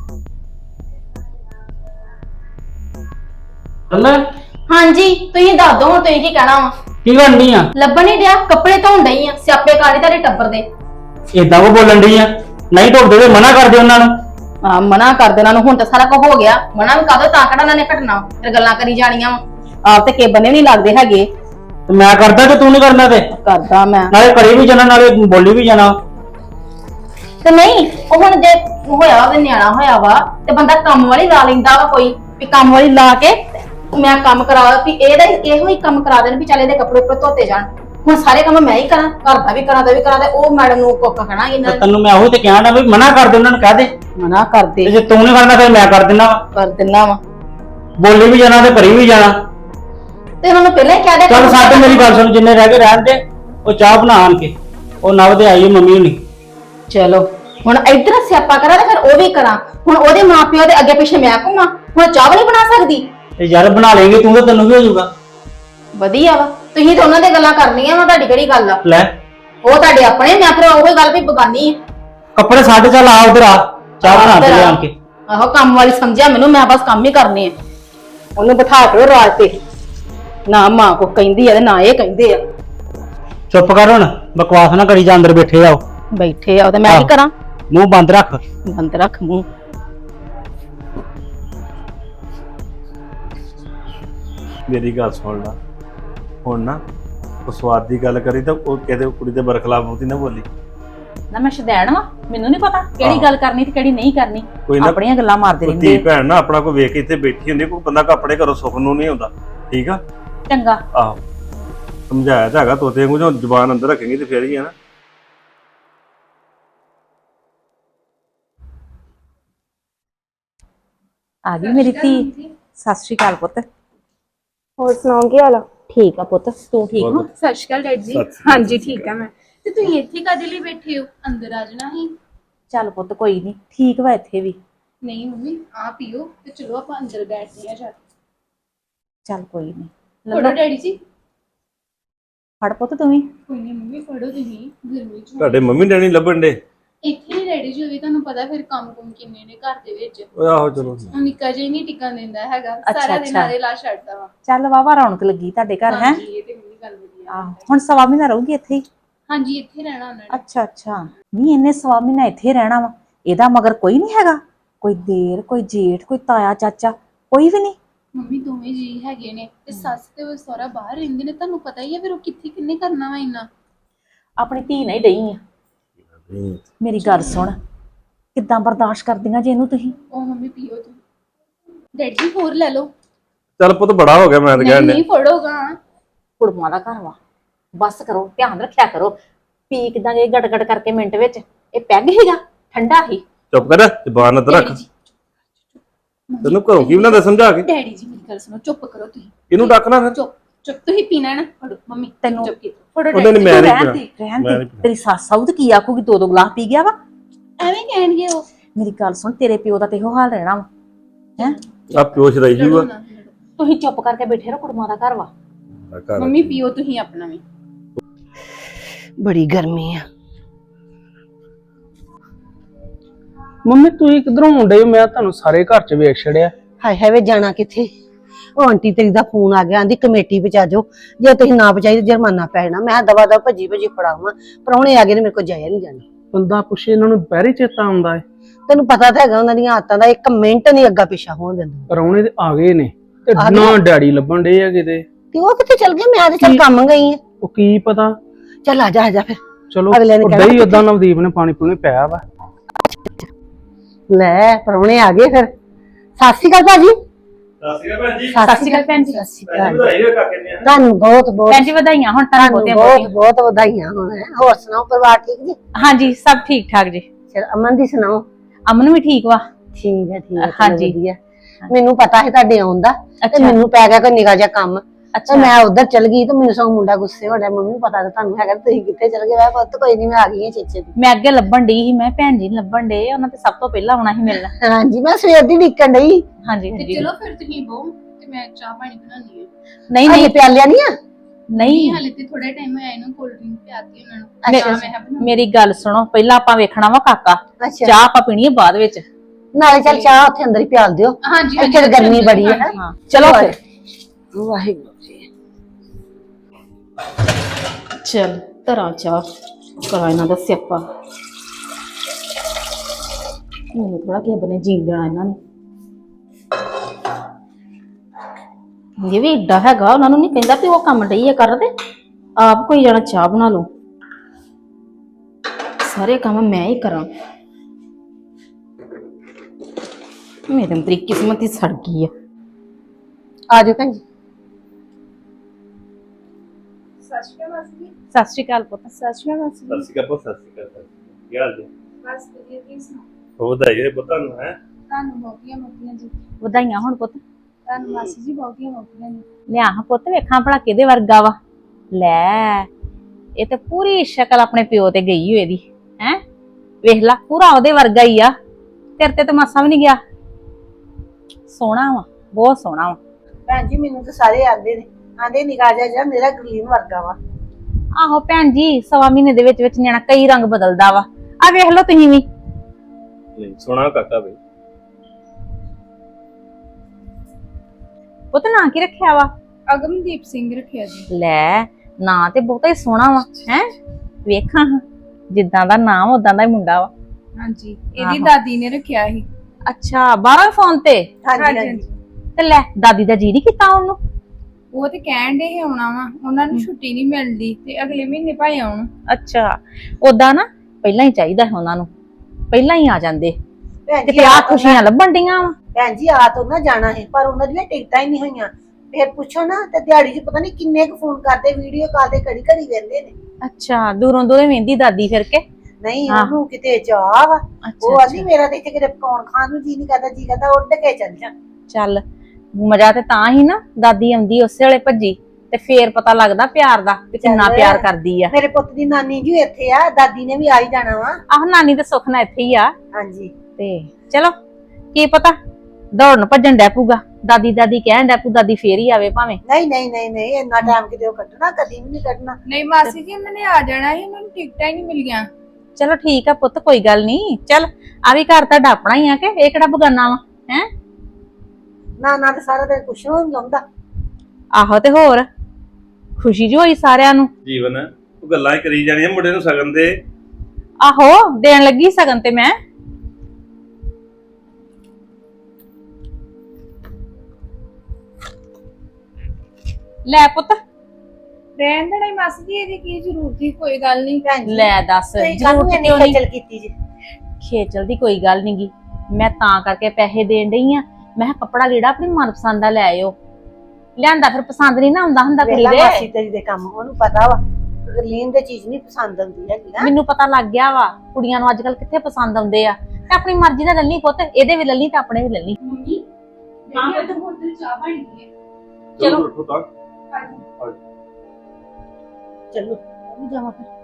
S5: ਚੱਲ
S1: ਹਾਂਜੀ ਤੁਸੀਂ ਦੱਸ ਦੋ ਹੁਣ ਤੁਸੀਂ ਕੀ ਕਹਿਣਾ ਵਾ।
S5: ਕੀ ਕਰਨੀ ਆ?
S1: ਲੱਭਣ ਨਹੀਂ ਡਿਆ, ਕੱਪੜੇ ਧੋਣ ਡਈ ਆ। ਸਿਆਪੇ ਕਾਲੀ ਤੁਹਾਡੇ ਟੱਬਰ ਦੇ।
S5: ਏਦਾਂ ਕੋ ਬੋਲਣ ਡਈ ਆ? ਨਹੀਂ ਢੋਕਦੇ ਤੇ ਮਨਾ ਕਰ ਦੇ ਉਹਨਾਂ ਨੂੰ।
S1: ਆ ਮਨਾ ਕਰ ਦੇਣਾ ਨੂੰ, ਹੁਣ ਤਾਂ ਸਾਰਾ ਕੁਝ ਹੋ ਗਿਆ। ਮਨਾ ਵੀ ਕਾਹਦਾ, ਤਾਂ ਕਿਹੜਾ ਉਹਨਾਂ ਨੇ ਘਟਣਾ? ਫਿਰ ਗੱਲਾਂ ਕਰੀ ਜਾਣੀਆਂ ਵਾ। ਆਪ ਤੇ ਕੇ ਬੰਨੇ ਨਹੀਂ ਲੱਗਦੇ ਹੈਗੇ।
S5: ਤੇ ਮੈਂ ਕਰਦਾ ਤੇ ਤੂੰ ਨਹੀਂ ਕਰਨਾ? ਤੇ
S1: ਕਰਦਾ ਮੈਂ
S5: ਨਾਲੇ ਕਰੀ ਵੀ ਜਾਣਾ, ਨਾਲੇ ਬੋਲੀ ਵੀ ਜਾਣਾ।
S1: ਤੇ ਨਹੀਂ, ਉਹ ਹੁਣ ਜੇ ਹੋਇਆ ਉਹਦੇ ਨਿਆਣਾ ਹੋਇਆ ਵਾ ਤੇ ਬੰਦਾ ਕੰਮ ਵਾਲੀ ਲਾ ਲੈਂਦਾ ਵਾ। ਕੋਈ ਵੀ ਕੰਮ ਵਾਲੀ ਲਾ ਕੇ ਮੈਂ ਕੰਮ ਕਰਾ ਵੀ ਇਹਦਾ ਇਹੋ ਹੀ ਕੰਮ ਕਰਾ ਦੇਣ ਵੀ ਚੱਲ ਇਹਦੇ ਕੱਪੜੇ ਉੱਪਰ ਧੋਤੇ ਜਾਣ। ਹੁਣ ਸਾਰੇ ਕੰਮ ਮੈਂ ਹੀ ਕਰਾਂ, ਘਰ ਦਾ ਵੀ ਕਰਾਂ, ਦਾ ਵੀ ਕਰਾਂ, ਤੇ ਉਹ ਮੈਡਮ ਨੂੰ ਕੁੱਕ ਕਹਿਣਾ ਇਹਨਾਂ ਨੇ।
S5: ਤੈਨੂੰ ਮੈਂ ਉਹੀ ਤੇ ਕਹਿਣਾ ਵੀ ਮਨਾ ਕਰ ਦੇ ਉਹਨਾਂ ਨੂੰ, ਕਹਿ ਦੇ।
S1: ਮਨਾ ਕਰਦੇ
S5: ਤੇ ਜੇ ਤੂੰ ਨਹੀਂ ਕਰਨਾ ਫਿਰ ਮੈਂ ਕਰ ਦਿੰਦਾ ਵਾ।
S1: ਕਰ ਦਿੰਨਾ ਵਾ।
S5: ਬੋਲੀ ਵੀ ਜਾਣਾ ਤੇ ਕਰੀ ਵੀ ਜਾਣਾ।
S1: ਤੇ ਉਹਨਾਂ ਨੂੰ ਪਹਿਲਾਂ ਹੀ ਕਹਿ ਦੇ।
S5: ਚੱਲ ਸਾਡੇ ਮੇਰੀ ਗੱਲ ਸੁਣ, ਜਿੰਨੇ ਰਹਿ ਗਏ ਰਹਿਣ ਦੇ। ਉਹ ਚਾਹ ਬਣਾ ਆਣ ਕੇ, ਉਹ ਨਵ ਦੇ ਆਈ ਮੰਮੀ ਹੁਣੀ।
S1: ਚਲੋ ਹੁਣ ਇੱਧਰ ਸਿਆਪਾ ਕਰਾਂ ਤੇ ਫਿਰ ਉਹ ਵੀ ਕਰਾਂ। ਹੁਣ ਉਹਦੇ ਮਾਪਿਓ ਦੇ ਅੱਗੇ ਪਿੱਛੇ ਮੈਂ ਘੁੰਮਾਂ। ਹੁਣ ਚਾਹ ਵੀ ਨਹੀਂ ਬਣਾ ਸਕਦੀ?
S5: ਤੇ ਯਾਰ ਬਣਾ ਲੇਂਗੇ ਤੂੰ, ਤਾਂ ਤੈਨੂੰ ਵੀ ਹੋ ਜਾਊਗਾ।
S1: ਵਧੀਆ ਵਾ, ਤੁਸੀਂ ਤਾਂ ਉਹਨਾਂ ਦੇ ਗੱਲਾਂ ਕਰਨੀਆਂ ਵਾ। ਤੁਹਾਡੀ ਕਿਹੜੀ ਗੱਲ ਆ?
S5: ਲੈ
S1: ਉਹ ਤੁਹਾਡੇ ਆਪਣੇ, ਮੈਂ ਫਿਰ ਉਹੀ ਗੱਲ ਵੀ ਬਗਾਨੀ ਆ।
S5: ਕੱਪੜੇ ਸਾਡੇ ਚੱਲ ਆ ਉਧਰ ਆ, ਚਾਹ ਬਣਾ ਦੇ ਆਣ ਕੇ।
S1: ਆਹੋ ਕੰਮ ਵਾਲੀ ਸਮਝਿਆ ਮੈਨੂੰ, ਮੈਂ ਬਸ ਕੰਮ ਹੀ ਕਰਨੇ ਆ। ਉਹਨੂੰ ਬਿਠਾ ਕੇ ਰਾਜ ਤੇ ਨਾ ਮਾਂ ਕੋ ਕਹਿੰਦੀ ਆ ਤੇ ਨਾ ਇਹ ਕਹਿੰਦੇ ਆ।
S5: ਚੁੱਪ ਕਰ ਹੁਣ, ਬਕਵਾਸ ਨਾ ਕਰੀ ਜਾ, ਅੰਦਰ ਬੈਠੇ ਆ।
S1: ਬੈਠੇ ਆ ਤੇ ਮੈਂ ਕੀ ਕਰਾਂ?
S5: ਮੂੰਹ ਬੰਦ ਰੱਖ।
S1: ਬੰਦ ਰੱਖ ਮੂੰਹ।
S2: ਮੇਰੀ ਗੱਲ ਸੁਣ ਲਾ ਹੁਣ ਨਾ, ਉਹ ਸਵਾਦ ਦੀ ਗੱਲ ਕਰੀ ਤਾਂ ਉਹ ਕਹਿੰਦੇ ਕੁੜੀ ਦੇ ਬਰਖਲਾਫ ਬਹੁਤੀ ਨਾ ਬੋਲੀ।
S4: ਨਾ ਮੈਂ ਸ਼ਦੈਣ ਵਾ, ਮੈਨੂੰ ਨਹੀਂ ਪਤਾ ਕਿਹੜੀ ਗੱਲ ਕਰਨੀ ਤੇ ਕਿਹੜੀ ਨਹੀਂ ਕਰਨੀ।
S2: ਕੋਈ ਨਾ,
S4: ਆਪਣੀਆਂ ਗੱਲਾਂ ਮਾਰਦੇ
S2: ਧੀ
S4: ਰਹਿੰਦੇ।
S2: ਭੈਣ ਨਾ ਆਪਣਾ ਕੋਈ ਵੇਖ ਕੇ ਇੱਥੇ ਬੈਠੀ ਹੁੰਦੀ, ਕੋਈ ਬੰਦਾ ਆਪਣੇ ਘਰੋਂ ਸੁੱਖ ਨੂੰ ਨਹੀਂ ਹੁੰਦਾ। ਠੀਕ ਆ?
S4: ਚੰਗਾ
S2: ਆਹੋ ਸਮਝਾਇਆ ਤਾਂ ਹੈਗਾ ਤੋਤੇ ਵਾਂਗੂ, ਜੋ ਜ਼ੁਬਾਨ ਅੰਦਰ ਰੱਖੇਂਗੀ ਤੇ ਫੇਰ ਹੀ ਆ ਨਾ।
S4: ਆ ਗਈ ਮੇਰੀ ਧੀ। ਸਤਿ ਸ਼੍ਰੀ ਅਕਾਲ ਪੁੱਤ।
S6: ਹੋਰ ਸੁਣਾਓ ਕੀ ਹਾਲ ਆ?
S1: ਠੀਕ ਆ ਪੁੱਤ, ਤੂੰ ਠੀਕ ਆ?
S6: ਸਤਿ ਸ਼੍ਰੀ ਅਕਾਲ ਡੈਡ ਜੀ।
S2: ਸਤਿ ਸ਼੍ਰੀ
S6: ਹਾਂਜੀ ਠੀਕ ਆ ਮੈਂ। ਤੇ ਤੁਸੀਂ ਇੱਥੇ ਕਾਹਦੇ ਲਈ ਬੈਠੇ ਹੋ? ਅੰਦਰ ਆ ਜਾਣਾ ਸੀ।
S4: ਚੱਲ ਪੁੱਤ ਕੋਈ ਨਹੀਂ, ਠੀਕ ਵਾ ਇੱਥੇ ਵੀ।
S6: ਨਹੀਂ ਮੰਮੀ ਆ ਪੀਓ ਤੇ ਚਲੋ ਆਪਾਂ ਅੰਦਰ ਬੈਠਦੇ ਆ ਜਾ ਕੇ।
S4: ਚੱਲ ਕੋਈ ਨਹੀਂ,
S6: ਫੜੋ ਡੈਡੀ ਜੀ।
S4: ਫੜ ਪੁੱਤ ਤੂੰ ਵੀ।
S6: ਕੋਈ ਨਹੀਂ ਮੰਮੀ ਫੜੋ ਤੁਸੀਂ, ਗਰਮੀ ਚ
S2: ਤੁਹਾਡੇ ਮੰਮੀ ਡੈਡੀ ਲੱਭਣ ਦੇ?
S6: ਇੱਥੇ ਹੀ ਡੈਡੀ ਜੀ ਹੋਵੇ, ਤੁਹਾਨੂੰ ਪਤਾ ਫਿਰ ਕੰਮ ਕੁਮ ਕਿੰਨੇ ਨੇ ਘਰ ਦੇ ਵਿੱਚ।
S2: ਓਏ ਆਹੋ ਚਲੋ।
S6: ਉਹ ਨਿੱਕਾ ਜਿਹਾ ਨਹੀਂ ਟਿਕਣ ਦਿੰਦਾ ਹੈਗਾ,
S4: ਅੱਛਾ,
S6: ਸਾਰਾ ਦਿਨ
S4: ਅੱਛਾ।
S6: ਆਰੇ ਲਾ ਛੱਡਦਾ ਵਾ।
S4: ਚੱਲ ਵਾਵਾ ਰੌਣਕ ਲੱਗੀ ਤੁਹਾਡੇ ਘਰ ਹੈ।
S6: ਹਾਂਜੀ ਇਹ ਤੇ ਮੰਮੀ ਗੱਲ ਵਧੀਆ।
S4: ਆਹੋ ਹੁਣ ਸਵਾ ਮਹੀਨਾ ਰਹੂਗੀ ਇੱਥੇ ਹੀ?
S6: ਹਾਂਜੀ ਇੱਥੇ ਰਹਿਣਾ ਉਹਨਾਂ ਨੇ।
S4: ਅੱਛਾ ਅੱਛਾ, ਨਹੀਂ ਇਹਨੇ ਸਵਾ ਮਹੀਨਾ ਇੱਥੇ ਰਹਿਣਾ ਵਾ? ਇਹਦਾ ਮਗਰ ਕੋਈ ਨਹੀਂ ਹੈਗਾ? ਕੋਈ ਦੇਰ, ਕੋਈ ਜੇਠ, ਕੋਈ ਤਾਇਆ ਚਾਚਾ, ਕੋਈ ਵੀ ਨਹੀਂ?
S6: ਮੰਮੀ ਦੋਵੇਂ ਜੀ ਹੈਗੇ ਨੇ ਤੇ ਸੱਸ ਤੇ ਸਹੁਰਾ ਬਾਹਰ ਰਹਿੰਦੇ ਨੇ, ਤੁਹਾਨੂੰ ਪਤਾ ਹੀ ਆ ਫਿਰ ਉਹ ਕਿੱਥੇ ਕਿੰਨੇ ਕਰਨਾ ਵਾ ਇੰਨਾ।
S4: ਆਪਣੀ ਧੀ ਨਹੀਂ ਡਈ ਆ। ਮੇਰੀ ਗੱਲ ਸੁਣ, ਕਿੱਦਾਂ ਬਰਦਾਸ਼ਤ ਕਰਦੀਆਂ ਜੇ ਇਹਨੂੰ ਤੁਸੀਂ?
S6: ਉਹ ਮੰਮੀ ਪੀਓ ਤੂੰ। ਡੈਡੀ ਜੀ ਹੋਰ ਲੈ ਲਓ।
S2: ਚੱਲ ਪੁੱਤ ਬੜਾ ਹੋ ਗਿਆ ਮੈਂ ਤਾਂ
S6: ਨਹੀਂ
S2: ਕਹਿਣ ਡਿਆ।
S6: ਨਹੀਂ ਫੜੋਗਾ।
S4: ਕੁੜਮਾਂ ਦਾ ਘਰ ਵਾ, ਬਸ ਕਰੋ, ਧਿਆਨ ਰੱਖਿਆ ਕਰੋ। ਪੀ ਕਿਦਾਂ ਜੇ ਗਟਗਟ ਕਰਕੇ ਮਿੰਟ ਵਿੱਚ। ਇਹ ਪੈਗ ਹੀਗਾ, ਠੰਡਾ ਹੀ।
S2: ਚੁੱਪ ਕਰ, ਜ਼ਬਾਨ ਅੰਦਰ ਰੱਖ।
S6: ਡੈਡੀ ਜੀ,
S2: ਤੈਨੂੰ ਘਰੋਂ ਕੀ ਬਣਾਦਾ ਸਮਝਾ ਕੇ?
S6: ਡੈਡੀ ਜੀ ਮੇਰੀ ਗੱਲ ਸੁਣੋ, ਚੁੱਪ ਕਰੋ ਤੁਸੀਂ।
S2: ਇਹਨੂੰ ਡੱਕਣਾ ਫਿਰ।
S6: ਚੁੱਪ ਚੁੱਪ, ਤੁਸੀਂ ਪੀਣਾ ਨਾ। ਫੜੋ ਮੰਮੀ,
S4: ਤੈਨੂੰ-
S6: ਚੁੱਪ ਕੀਤੋ। ਫੜੋ
S2: ਉਹਨੇ
S6: ਡੈਡੀ
S2: ਨੀ
S6: ਜੀ।
S2: ਮੈਂ ਨਹੀਂ
S4: ਰਹਿਣ
S2: ਪੀਣਾ।
S4: ਦੇ, ਰਹਿਣ
S2: ਮੈਂ
S4: ਦੇ।
S2: ਨਹੀਂ ਪੀਣਾ।
S4: ਤੇਰੀ ਸੱਸ ਆਊ ਤੇ ਕੀ ਆਖੂਗੀ? 2 ਗਲਾਸ ਪੀ ਗਿਆ ਵਾ।
S6: ਐਵੇਂ ਕਹਿਣਗੇ ਉਹ।
S4: ਮੇਰੀ ਗੱਲ ਸੁਣ, ਤੇਰੇ ਪਿਓ ਦਾ ਤੇ ਇਹੋ ਹਾਲ ਰਹਿਣਾ ਵਾ ਹੈ।
S2: ਆ ਪਿਓ ਸ਼ਰਾਈ
S6: ਲੜੋ
S2: ਜੂਗਾ।
S6: ਨਾ, ਲੜੋ।
S4: ਤੁਸੀਂ ਚੁੱਪ ਕਰਕੇ ਬੈਠੇ ਰਹੋ, ਕੁੜਮਾਂ ਦਾ ਘਰ ਵਾ।
S6: ਮੰਮੀ ਪੀਓ ਤੁਸੀਂ ਆਪਣਾ ਵੀ।
S7: ਬੜੀ ਗਰਮੀ ਆ।
S3: ਮੰਮੀ ਤੁਸੀਂ ਕਿਧਰੋਂ ਆਉਂਦੇ ਹੋ? ਮੈਂ ਤੁਹਾਨੂੰ ਸਾਰੇ ਘਰ 'ਚ ਵੇਖ ਛੜਿਆ।
S7: ਹਾਏ ਹਾਏ ਵੇ ਜਾਣਾ ਕਿੱਥੇ? ਉਹ ਆਂਟੀ ਤੇਰੀ ਦਾ ਫੋਨ ਆ ਗਿਆ, ਆਂਦੀ ਕਮੇਟੀ ਪਹੁੰਚਾ ਜਾਓ, ਜੇ ਤੁਸੀਂ ਨਾ ਪਹੁੰਚਾਈ ਤਾਂ ਜੁਰਮਾਨਾ ਪੈ ਜਾਣਾ। ਮੈਂ ਦਵਾ ਦਵਾ ਭੱਜੀ ਭੱਜੀ ਫੜਾਵਾਂ, ਪ੍ਰਾਹੁਣੇ ਆ ਗਏ ਨੇ, ਮੇਰੇ ਕੋਲ ਜਾਇਆ ਨਹੀਂ ਜਾਣਾ।
S3: ਬੰਦਾ ਪੁੱਛੇ ਇਹਨਾਂ ਨੂੰ ਦੁਪਹਿਰੇ ਚੇਤਾ ਆਉਂਦਾ ਹੈ।
S7: ਤੈਨੂੰ ਪਤਾ ਤਾਂ ਹੈਗਾ ਉਹਨਾਂ ਦੀਆਂ ਆਦਤਾਂ ਦਾ, ਇੱਕ ਮਿੰਟ ਨਹੀਂ ਅੱਗਾ ਪਿੱਛਾ ਹੋਣ ਦਿੰਦਾ।
S3: ਪਰੌਣੇ ਤੇ ਆ ਗਏ ਨੇ ਤੇ
S7: ਆ ਗਏ?
S3: ਨਾ ਡੈਡੀ ਲੱਭਣ ਡੇ ਆ ਕਿਤੇ।
S7: ਤੇ ਉਹ ਕਿੱਥੇ ਚਲ ਗਏ? ਮੈਂ ਤੇ ਚੱਲ
S3: ਕੀ?
S7: ਕੰਮ ਗਈ ਆ।
S3: ਉਹ ਕੀ ਪਤਾ।
S7: ਚੱਲ ਆ ਜਾ ਫਿਰ।
S3: ਚਲੋ
S7: ਅਗਲੇ ਨੇ ਕਹਿਣਾ
S3: ਡਈ ਉਦਾਂ ਨਵਦੀਪ ਨੇ ਪਾਣੀ ਪੂਣੀ ਪਿਆ ਵਾ।
S7: ਲੈ ਪ੍ਰਾਹੁਣੇ ਆ ਗਏ ਫਿਰ। ਸਤਿ ਸ਼੍ਰੀ ਅਕਾਲ ਭਾਜੀ।
S2: ਸਤਿ ਸ਼੍ਰੀ ਅਕਾਲ ਭੈਣ ਜੀ।
S4: ਸਤਿ ਸ਼੍ਰੀ ਅਕਾਲ ਭੈਣ ਜੀ।
S7: ਸਤਿ ਸ਼੍ਰੀ ਅਕਾਲ।
S2: ਵਧਾਈ ਹੋਵੇ ਕਾਕੇ ਨੇ।
S7: ਤੁਹਾਨੂੰ ਬਹੁਤ ਬਹੁਤ
S4: ਭੈਣ ਜੀ ਵਧਾਈਆਂ ਹੁਣ ਤੁਹਾਨੂੰ
S7: ਤੁਹਾਨੂੰ
S4: ਬਹੁਤੀਆਂ
S7: ਬਹੁਤ ਬਹੁਤ ਵਧਾਈਆਂ ਹੋਣ। ਹੋਰ ਸੁਣਾਓ, ਪਰਿਵਾਰ ਠੀਕ ਜੀ?
S4: ਹਾਂਜੀ, ਸਭ ਠੀਕ ਠਾਕ ਜੀ।
S7: ਚਲ ਅਮਨ ਦੀ ਸੁਣਾਓ।
S4: ਅਮਨ ਵੀ ਠੀਕ ਵਾ।
S7: ਠੀਕ ਹੈ ਚਲੋ
S4: ਹਾਂਜੀ।
S7: ਵਧੀਆ। ਮੈਨੂੰ ਪਤਾ ਸੀ ਤੁਹਾਡੇ ਆਉਣ ਦਾ, ਤੇ
S4: ਅੱਛਾ।
S7: ਮੈਨੂੰ ਪੈ ਗਿਆ ਕੋਈ ਨਿਗਾਹ ਜਿਹਾ ਕੰਮ। ਤੇ
S4: ਅੱਛਾ।
S7: ਮੈਂ ਉਧਰ ਚਲ ਗਈ ਤੇ ਮੈਨੂੰ ਸਗੋਂ ਮੁੰਡਾ ਗੁੱਸੇ ਹੋ ਰਿਹਾ, ਮੰਮੀ ਨੂੰ ਪਤਾ ਤਾਂ ਤੁਹਾਨੂੰ ਹੈਗਾ, ਤੁਸੀਂ ਕਿੱਥੇ ਚਲ ਗਏ? ਮੈਂ ਪੁੱਤ ਕੋਈ ਨਹੀਂ, ਮੈਂ ਆ ਗਈ ਹਾਂ ਚੇਚੇ ਦੀ।
S4: ਮੈਂ ਅੱਗੇ ਲੱਭਣ ਡਈ ਸੀ, ਮੈਂ ਭੈਣ ਜੀ ਨੂੰ ਲੱਭਣ ਡੇ, ਉਹਨਾਂ ਤੇ ਸਭ ਤੋਂ ਪਹਿਲਾਂ ਆਉਣਾ ਸੀ ਮਿਲਣ।
S7: ਹਾਂਜੀ, ਮੈਂ ਸਵੇਰ ਦੀ ਨਿਕਣ ਡਈ।
S4: ਹਾਂਜੀ
S6: ਤੇ
S4: ਹਾਂਜੀ।
S6: ਚਲੋ ਫਿਰ ਤੁਸੀਂ ਬਹੁ ਤੇ ਮੈਂ ਚਾਹ ਪਾਣੀ ਬਣਾਉਣੀ ਹੈ।
S4: ਨਹੀਂ
S7: ਅਜੇ
S4: ਨਹੀਂ
S7: ਪਿਆਲਿਆ ਨਹੀਂ ਆ?
S4: ਨਹੀਂ,
S6: ਹਾਲੇ ਤੇ ਥੋੜਾ ਟਾਈਮ ਹੋਇਆ ਇਹਨੂੰ, ਕੋਲਡ ਡਰਿੰਕ ਪਿਆਤੀ ਉਹਨਾਂ ਨੂੰ।
S7: ਅੱਛਾ,
S6: ਚਾਹ ਮੈਂ ਬਣਾਉਣੀ।
S4: ਮੇਰੀ ਗੱਲ ਸੁਣੋ, ਪਹਿਲਾਂ ਆਪਾਂ ਵੇਖਣਾ ਵਾ ਕਾਕਾ।
S7: ਅੱਛਾ।
S4: ਚਾਹ ਆਪਾਂ ਪੀਣੀ ਹੈ ਬਾਅਦ ਵਿੱਚ।
S7: ਨਾਲੇ ਚੱਲ ਚਾਹ ਉੱਥੇ ਅੰਦਰ ਹੀ ਪਿਆਲ ਦਿਓ।
S6: ਹਾਂਜੀ
S7: ਇੱਥੇ ਤਾਂ ਗਰਮੀ ਬੜੀ ਹੈ।
S4: ਹਾਂ ਚਲੋ ਫਿਰ।
S7: ਵਾਹਿਗੁਰੂ ਜੀ।
S1: ਚੱਲ ਧਰਾਂ ਚਾਹ, ਕਰਾਂ ਇਹਨਾਂ ਦਾ ਸਿਆਪਾ। ਮੈਨੂੰ ਥੋੜਾ ਕਿਸੇ ਬਨੇ ਜੀਣ ਦੇਣਾ ਇਹਨਾਂ ਨੇ। ਇਹ ਵੀ ਏਡਾ ਹੈਗਾ, ਉਹਨਾਂ ਨੂੰ ਨਹੀਂ ਕਹਿੰਦਾ ਵੀ ਉਹ ਕੰਮ ਡਈ ਆ ਕਰ, ਤੇ ਆਪ ਕੋਈ ਜਾਣਾ ਚਾਹ ਬਣਾ ਲਓ। ਸਾਰੇ ਕੰਮ ਮੈਂ ਹੀ ਕਰਾਂ। ਮੇਰੇ ਅੰਦਰ ਕਿਸਮਤ ਹੀ ਸੜ ਗਈ ਆ।
S7: ਆ ਜਾਓ ਭੈਣ ਜੀ।
S6: ਸਤਿ ਸ਼੍ਰੀ ਅਕਾਲ ਮਾਸੀ ਜੀ।
S4: ਸਤਿ ਸ਼੍ਰੀ ਅਕਾਲ ਪੁੱਤ।
S6: ਸਤਿ ਸ਼੍ਰੀ ਅਕਾਲ ਮਾਸੀ
S2: ਸਤਿ ਸ਼੍ਰੀ ਅਕਾਲ। ਸਤਿ ਸ਼੍ਰੀ ਅਕਾਲ। ਕੀ ਹਾਲ ਜੀ?
S6: ਬਸ ਵਧੀਆ, ਤੁਸੀਂ ਸੁਣਾਓ?
S2: ਉਹ ਵਧਾਈ ਹੋਵੇ ਪੁੱਤਾਂ ਨੂੰ। ਹੈ
S6: ਤੁਹਾਨੂੰ ਬਹੁਤੀਆਂ ਬਹੁਤੀਆਂ ਜੀ।
S4: ਵਧਾਈਆਂ ਹੁਣ ਪੁੱਤ।
S6: ਤੁਹਾਨੂੰ ਮਾਸੀ ਜੀ ਬਹੁਤੀਆਂ ਬਹੁਤੀਆਂ ਜੀ।
S4: ਲਿਆ ਹਾਂ ਪੁੱਤ, ਵੇਖਾਂ ਭਲਾ ਕਿਹਦੇ ਵਰਗਾ ਵਾ। ਲੈ, ਇਹ ਤੇ ਪੂਰੀ ਸ਼ਕਲ ਆਪਣੇ ਪਿਓ ਤੇ ਗਈ ਹੋਏ ਦੀ ਹੈ। ਵੇਖ ਲਾ, ਪੂਰਾ ਉਹਦੇ ਵਰਗਾ ਹੀ ਆ। ਤੇਰੇ ਤੇ ਤਾਂ ਮਾਸਾ ਵੀ ਨਹੀਂ ਗਿਆ। ਸੋਹਣਾ ਵਾ, ਬਹੁਤ ਸੋਹਣਾ ਵਾ।
S7: ਭੈਣ ਜੀ ਮੈਨੂੰ ਤਾਂ ਸਾਰੇ ਆਂਦੇ ਨੇ, ਆਂਦੇ ਨਿਗਾਹ ਜਾ ਮੇਰਾ ਗਲੀਨ ਵਰਗਾ ਵਾ।
S4: ਆਹੋ ਭੈਣ ਜੀ, 1.25 ਮਹੀਨੇ ਦੇ ਵਿੱਚ ਵਿੱਚ ਨਿਆਣਾ ਕਈ ਰੰਗ ਬਦਲਦਾ ਵਾ। ਆ ਵੇਖ ਲਓ ਤੁਸੀਂ ਵੀ।
S2: ਨਹੀਂ ਸੋਹਣਾ ਕਾਕਾ ਬਈ।
S4: ਪੁੱਤ ਨਾਂ ਕੀ ਰੱਖਿਆ ਵਾ?
S6: ਅਗਮਦੀਪ ਸਿੰਘ ਰੱਖਿਆ ਜੀ।
S4: ਲੈ, ਨਾਂ ਤੇ ਬਹੁਤਾ ਹੀ ਸੋਹਣਾ ਵਾ ਹੈ। ਵੇਖਾਂ ਹਾਂ, ਜਿੱਦਾਂ ਦਾ ਨਾਮ ਉਦਾਂ ਦਾ ਹੀ ਮੁੰਡਾ ਵਾ।
S6: ਹਾਂਜੀ, ਇਹਦੀ
S4: ਆਹੋ।
S6: ਦਾਦੀ ਨੇ ਰੱਖਿਆ ਸੀ।
S4: ਅੱਛਾ, 12 ਫੋਨ ਤੇ।
S7: ਹਾਂਜੀ ਹਾਂਜੀ।
S4: ਤੇ ਲੈ, ਦਾਦੀ ਦਾ ਜੀ ਨਹੀਂ ਕੀਤਾ ਉਹਨੂੰ?
S6: ਉਹ ਤੇ ਕਹਿਣ ਦੇ ਆਉਣਾ ਵਾ, ਉਹਨਾਂ ਨੂੰ ਛੁੱਟੀ ਨਹੀਂ ਮਿਲਦੀ ਤੇ ਅਗਲੇ ਮਹੀਨੇ ਭਾਈ ਆਉਣ।
S4: ਅੱਛਾ, ਉਦਾਂ ਨਾ ਪਹਿਲਾਂ ਹੀ ਚਾਹੀਦਾ ਹੈ ਉਹਨਾਂ ਨੂੰ, ਪਹਿਲਾਂ ਹੀ ਆ ਜਾਂਦੇ।
S7: ਭੈਣ ਜੀ
S4: ਕਿਤੇ ਆ ਖੁਸ਼ੀਆਂ ਲੱਭਣ ਡੀਆਂ ਵਾ।
S7: ਭੈਣ ਜੀ ਆ ਤਾਂ ਨਾ ਜਾਣਾ ਹੈ, ਪਰ ਉਹਨਾਂ ਦੀਆਂ ਟਿਕਟਾਂ ਹੀ ਨਹੀਂ ਹੋਈਆਂ। ਫਿਰ ਪੁੱਛੋ ਨਾ ਤੇ ਦਿਹਾੜੀ 'ਚ ਪਤਾ ਨਹੀਂ ਕਿੰਨੇ ਕੁ ਫੋਨ ਕਰਦੇ, ਵੀਡੀਓ ਕਾਲ ਤੇ ਘੜੀ ਘੜੀ ਵੇਂਦੇ ਨੇ।
S4: ਅੱਛਾ, ਦੂਰੋਂ ਦੂਰੋਂ ਵੇਂਦੀ ਦਾਦੀ ਫਿਰ ਕੇ।
S7: ਨਹੀਂ
S4: ਹਾਂ।
S7: ਉਹਨੂੰ ਕਿਤੇ ਚਾਹ ਵਾ।
S4: ਅੱਛਾ,
S7: ਉਹ ਆਂਦੀ ਮੇਰਾ ਤੇ ਇੱਥੇ ਕਿਤੇ ਪਕਾਉਣ ਖਾਣ ਨੂੰ ਜੀ ਨਹੀਂ ਕਰਦਾ, ਜੀ ਕਰਦਾ ਉੱਡ ਕੇ ਚੱਲ ਜਾ।
S4: ਚੱਲ ਮਜ਼ਾ ਤੇ ਤਾਂ ਹੀ ਨਾ, ਦਾਦੀ ਆਉਂਦੀ ਉਸੇ ਵੇਲੇ ਭੱਜੀ, ਤੇ ਫੇਰ ਪਤਾ ਲੱਗਦਾ ਪਿਆਰ ਦਾ ਕਿ ਕਿੰਨਾ
S7: ਚੱਲ।
S4: ਪਿਆਰ ਕਰਦੀ ਆ।
S7: ਮੇਰੇ ਪੁੱਤ ਦੀ ਨਾਨੀ ਜੀ ਇੱਥੇ ਆ, ਦਾਦੀ ਨੇ ਵੀ ਆ ਹੀ ਜਾਣਾ ਵਾ।
S4: ਆਹ ਨਾਨੀ ਤੇ ਸੁੱਖ ਨਾਲ ਇੱਥੇ ਹੀ ਆ।
S7: ਹਾਂਜੀ।
S4: ਤੇ ਚਲੋ, ਕੀ ਪਤਾ ਦੌੜਨ ਭੱਜਣ ਡੈ ਪੂਗਾ, ਦਾਦੀ ਦਾਦੀ ਕਹਿਣ ਡੈ ਪੂ, ਦਾਦੀ ਫੇਰ ਹੀ ਆਵੇ ਭਾਵੇਂ।
S7: ਨਹੀਂ ਨਹੀਂ ਨਹੀਂ ਨਹੀਂ, ਇੰਨਾ ਟਾਈਮ ਕਿਤੇ ਉਹ ਕੱਢਣਾ ਕਦੀ ਵੀ ਨਹੀਂ ਕੱਢਣਾ।
S6: ਨਹੀਂ ਮਾਸੀ ਜੀ, ਉਹਨਾਂ ਨੇ ਆ ਜਾਣਾ ਸੀ, ਉਹਨਾਂ ਨੂੰ ਟਿਕਟਾਂ ਹੀ ਨਹੀਂ ਮਿਲੀਆਂ।
S4: ਚਲੋ ਠੀਕ ਆ ਪੁੱਤ, ਕੋਈ ਗੱਲ ਨਹੀਂ। ਚੱਲ, ਆ ਵੀ ਘਰ ਤੁਹਾਡਾ ਆਪਣਾ ਹੀ ਆ ਕਿ ਇਹ ਕਿਹੜਾ ਬਗਾਨਾ ਵਾ ਹੈ।
S7: ਨਾ ਨਾ ਤੇ ਸਾਰਾ ਦਿਨ ਕੁਛ ਨੂੰ ਲਾਉਂਦਾ।
S4: ਆਹੋ, ਤੇ ਹੋਰ ਖੁਸ਼ੀ ਜੀ ਹੋਈ ਸਾਰਿਆਂ ਨੂੰ।
S2: ਜੀਵਨ ਉਹ ਗੱਲਾਂ ਹੀ ਕਰੀ ਜਾਣੀਆਂ ਮੁੰਡੇ ਨੂੰ ਸਗਨ ਦੇ।
S4: ਆਹੋ, ਦੇਣ ਲੱਗੀ ਸਗਨ ਤੇ ਮੈਂ। ਲੈ ਪੁੱਤ,
S6: ਰਹਿਣ ਦੇਣਾ ਹੀ ਮਾਸੀ ਜੀ, ਇਹਦੀ ਕੀ ਜ਼ਰੂਰਤ ਸੀ? ਕੋਈ ਗੱਲ ਨਹੀਂ।
S7: ਭੈਣ ਜੀ
S4: ਲੈ ਦੱਸ
S7: ਤੁਸੀਂ
S4: ਜ਼ਰੂਰਤ
S7: ਕਾਹਨੂੰ ਇੰਨੀ
S4: ਕਿਉਂ ਨਹੀਂ?
S7: ਖੇਚਲ ਕੀਤੀ ਜੀ?
S4: ਖੇਚਲ ਦੀ ਕੋਈ ਗੱਲ ਨੀ ਗੀ। ਮੈਂ ਤਾਂ ਕਰਕੇ ਪੈਸੇ ਦੇਣ ਡਈ ਆ। ਮੈਂ ਕਿਹਾ ਕੱਪੜਾ ਲੀੜਾ ਆਪਣੀ ਮਨਪਸੰਦ ਦਾ ਲੈ ਆਇਓ। ਲਿਆਂਦਾ ਫਿਰ ਪਸੰਦ ਨਹੀਂ ਨਾ ਆਉਂਦਾ ਹੁੰਦਾ ਕੁੜੀ
S7: ਵੇਲਾ
S4: ਦੇ।
S7: ਮਾਸੀ ਤੇਰੀ ਦੇ ਕੰਮ ਉਹਨੂੰ ਪਤਾ ਵਾ ਗਰਲੀਨ ਦੇ ਚੀਜ਼ ਨਹੀਂ ਪਸੰਦ ਆਉਂਦੀ ਹੈਗੀ ਨਾ।
S4: ਮੈਨੂੰ ਪਤਾ ਲੱਗ ਗਿਆ ਵਾ ਕੁੜੀਆਂ ਨੂੰ ਅੱਜ ਕੱਲ ਕਿੱਥੇ ਪਸੰਦ ਆਉਂਦੇ ਆ। ਤੇ ਆਪਣੀ ਮਰਜ਼ੀ ਦਾ ਲੱਲੀ ਪੁੱਤ, ਇਹਦੇ ਵੀ ਲੱਲੀ ਤੇ ਆਪਣੇ ਵੀ ਲੱਲੀ।
S6: ਮੰਮੀ
S4: ਹਾਂ।
S6: ਮੇਰੀ ਤਾਂ ਹੁਣ ਤੇ ਚਾਹ ਬਣੀ ਹੈ।
S4: ਚਲੋ।
S2: ਬੈਠੋ ਤਾਂ
S7: ਚਲੋ ਮੈਂ ਵੀ ਜਾਵਾਂ ਫਿਰ।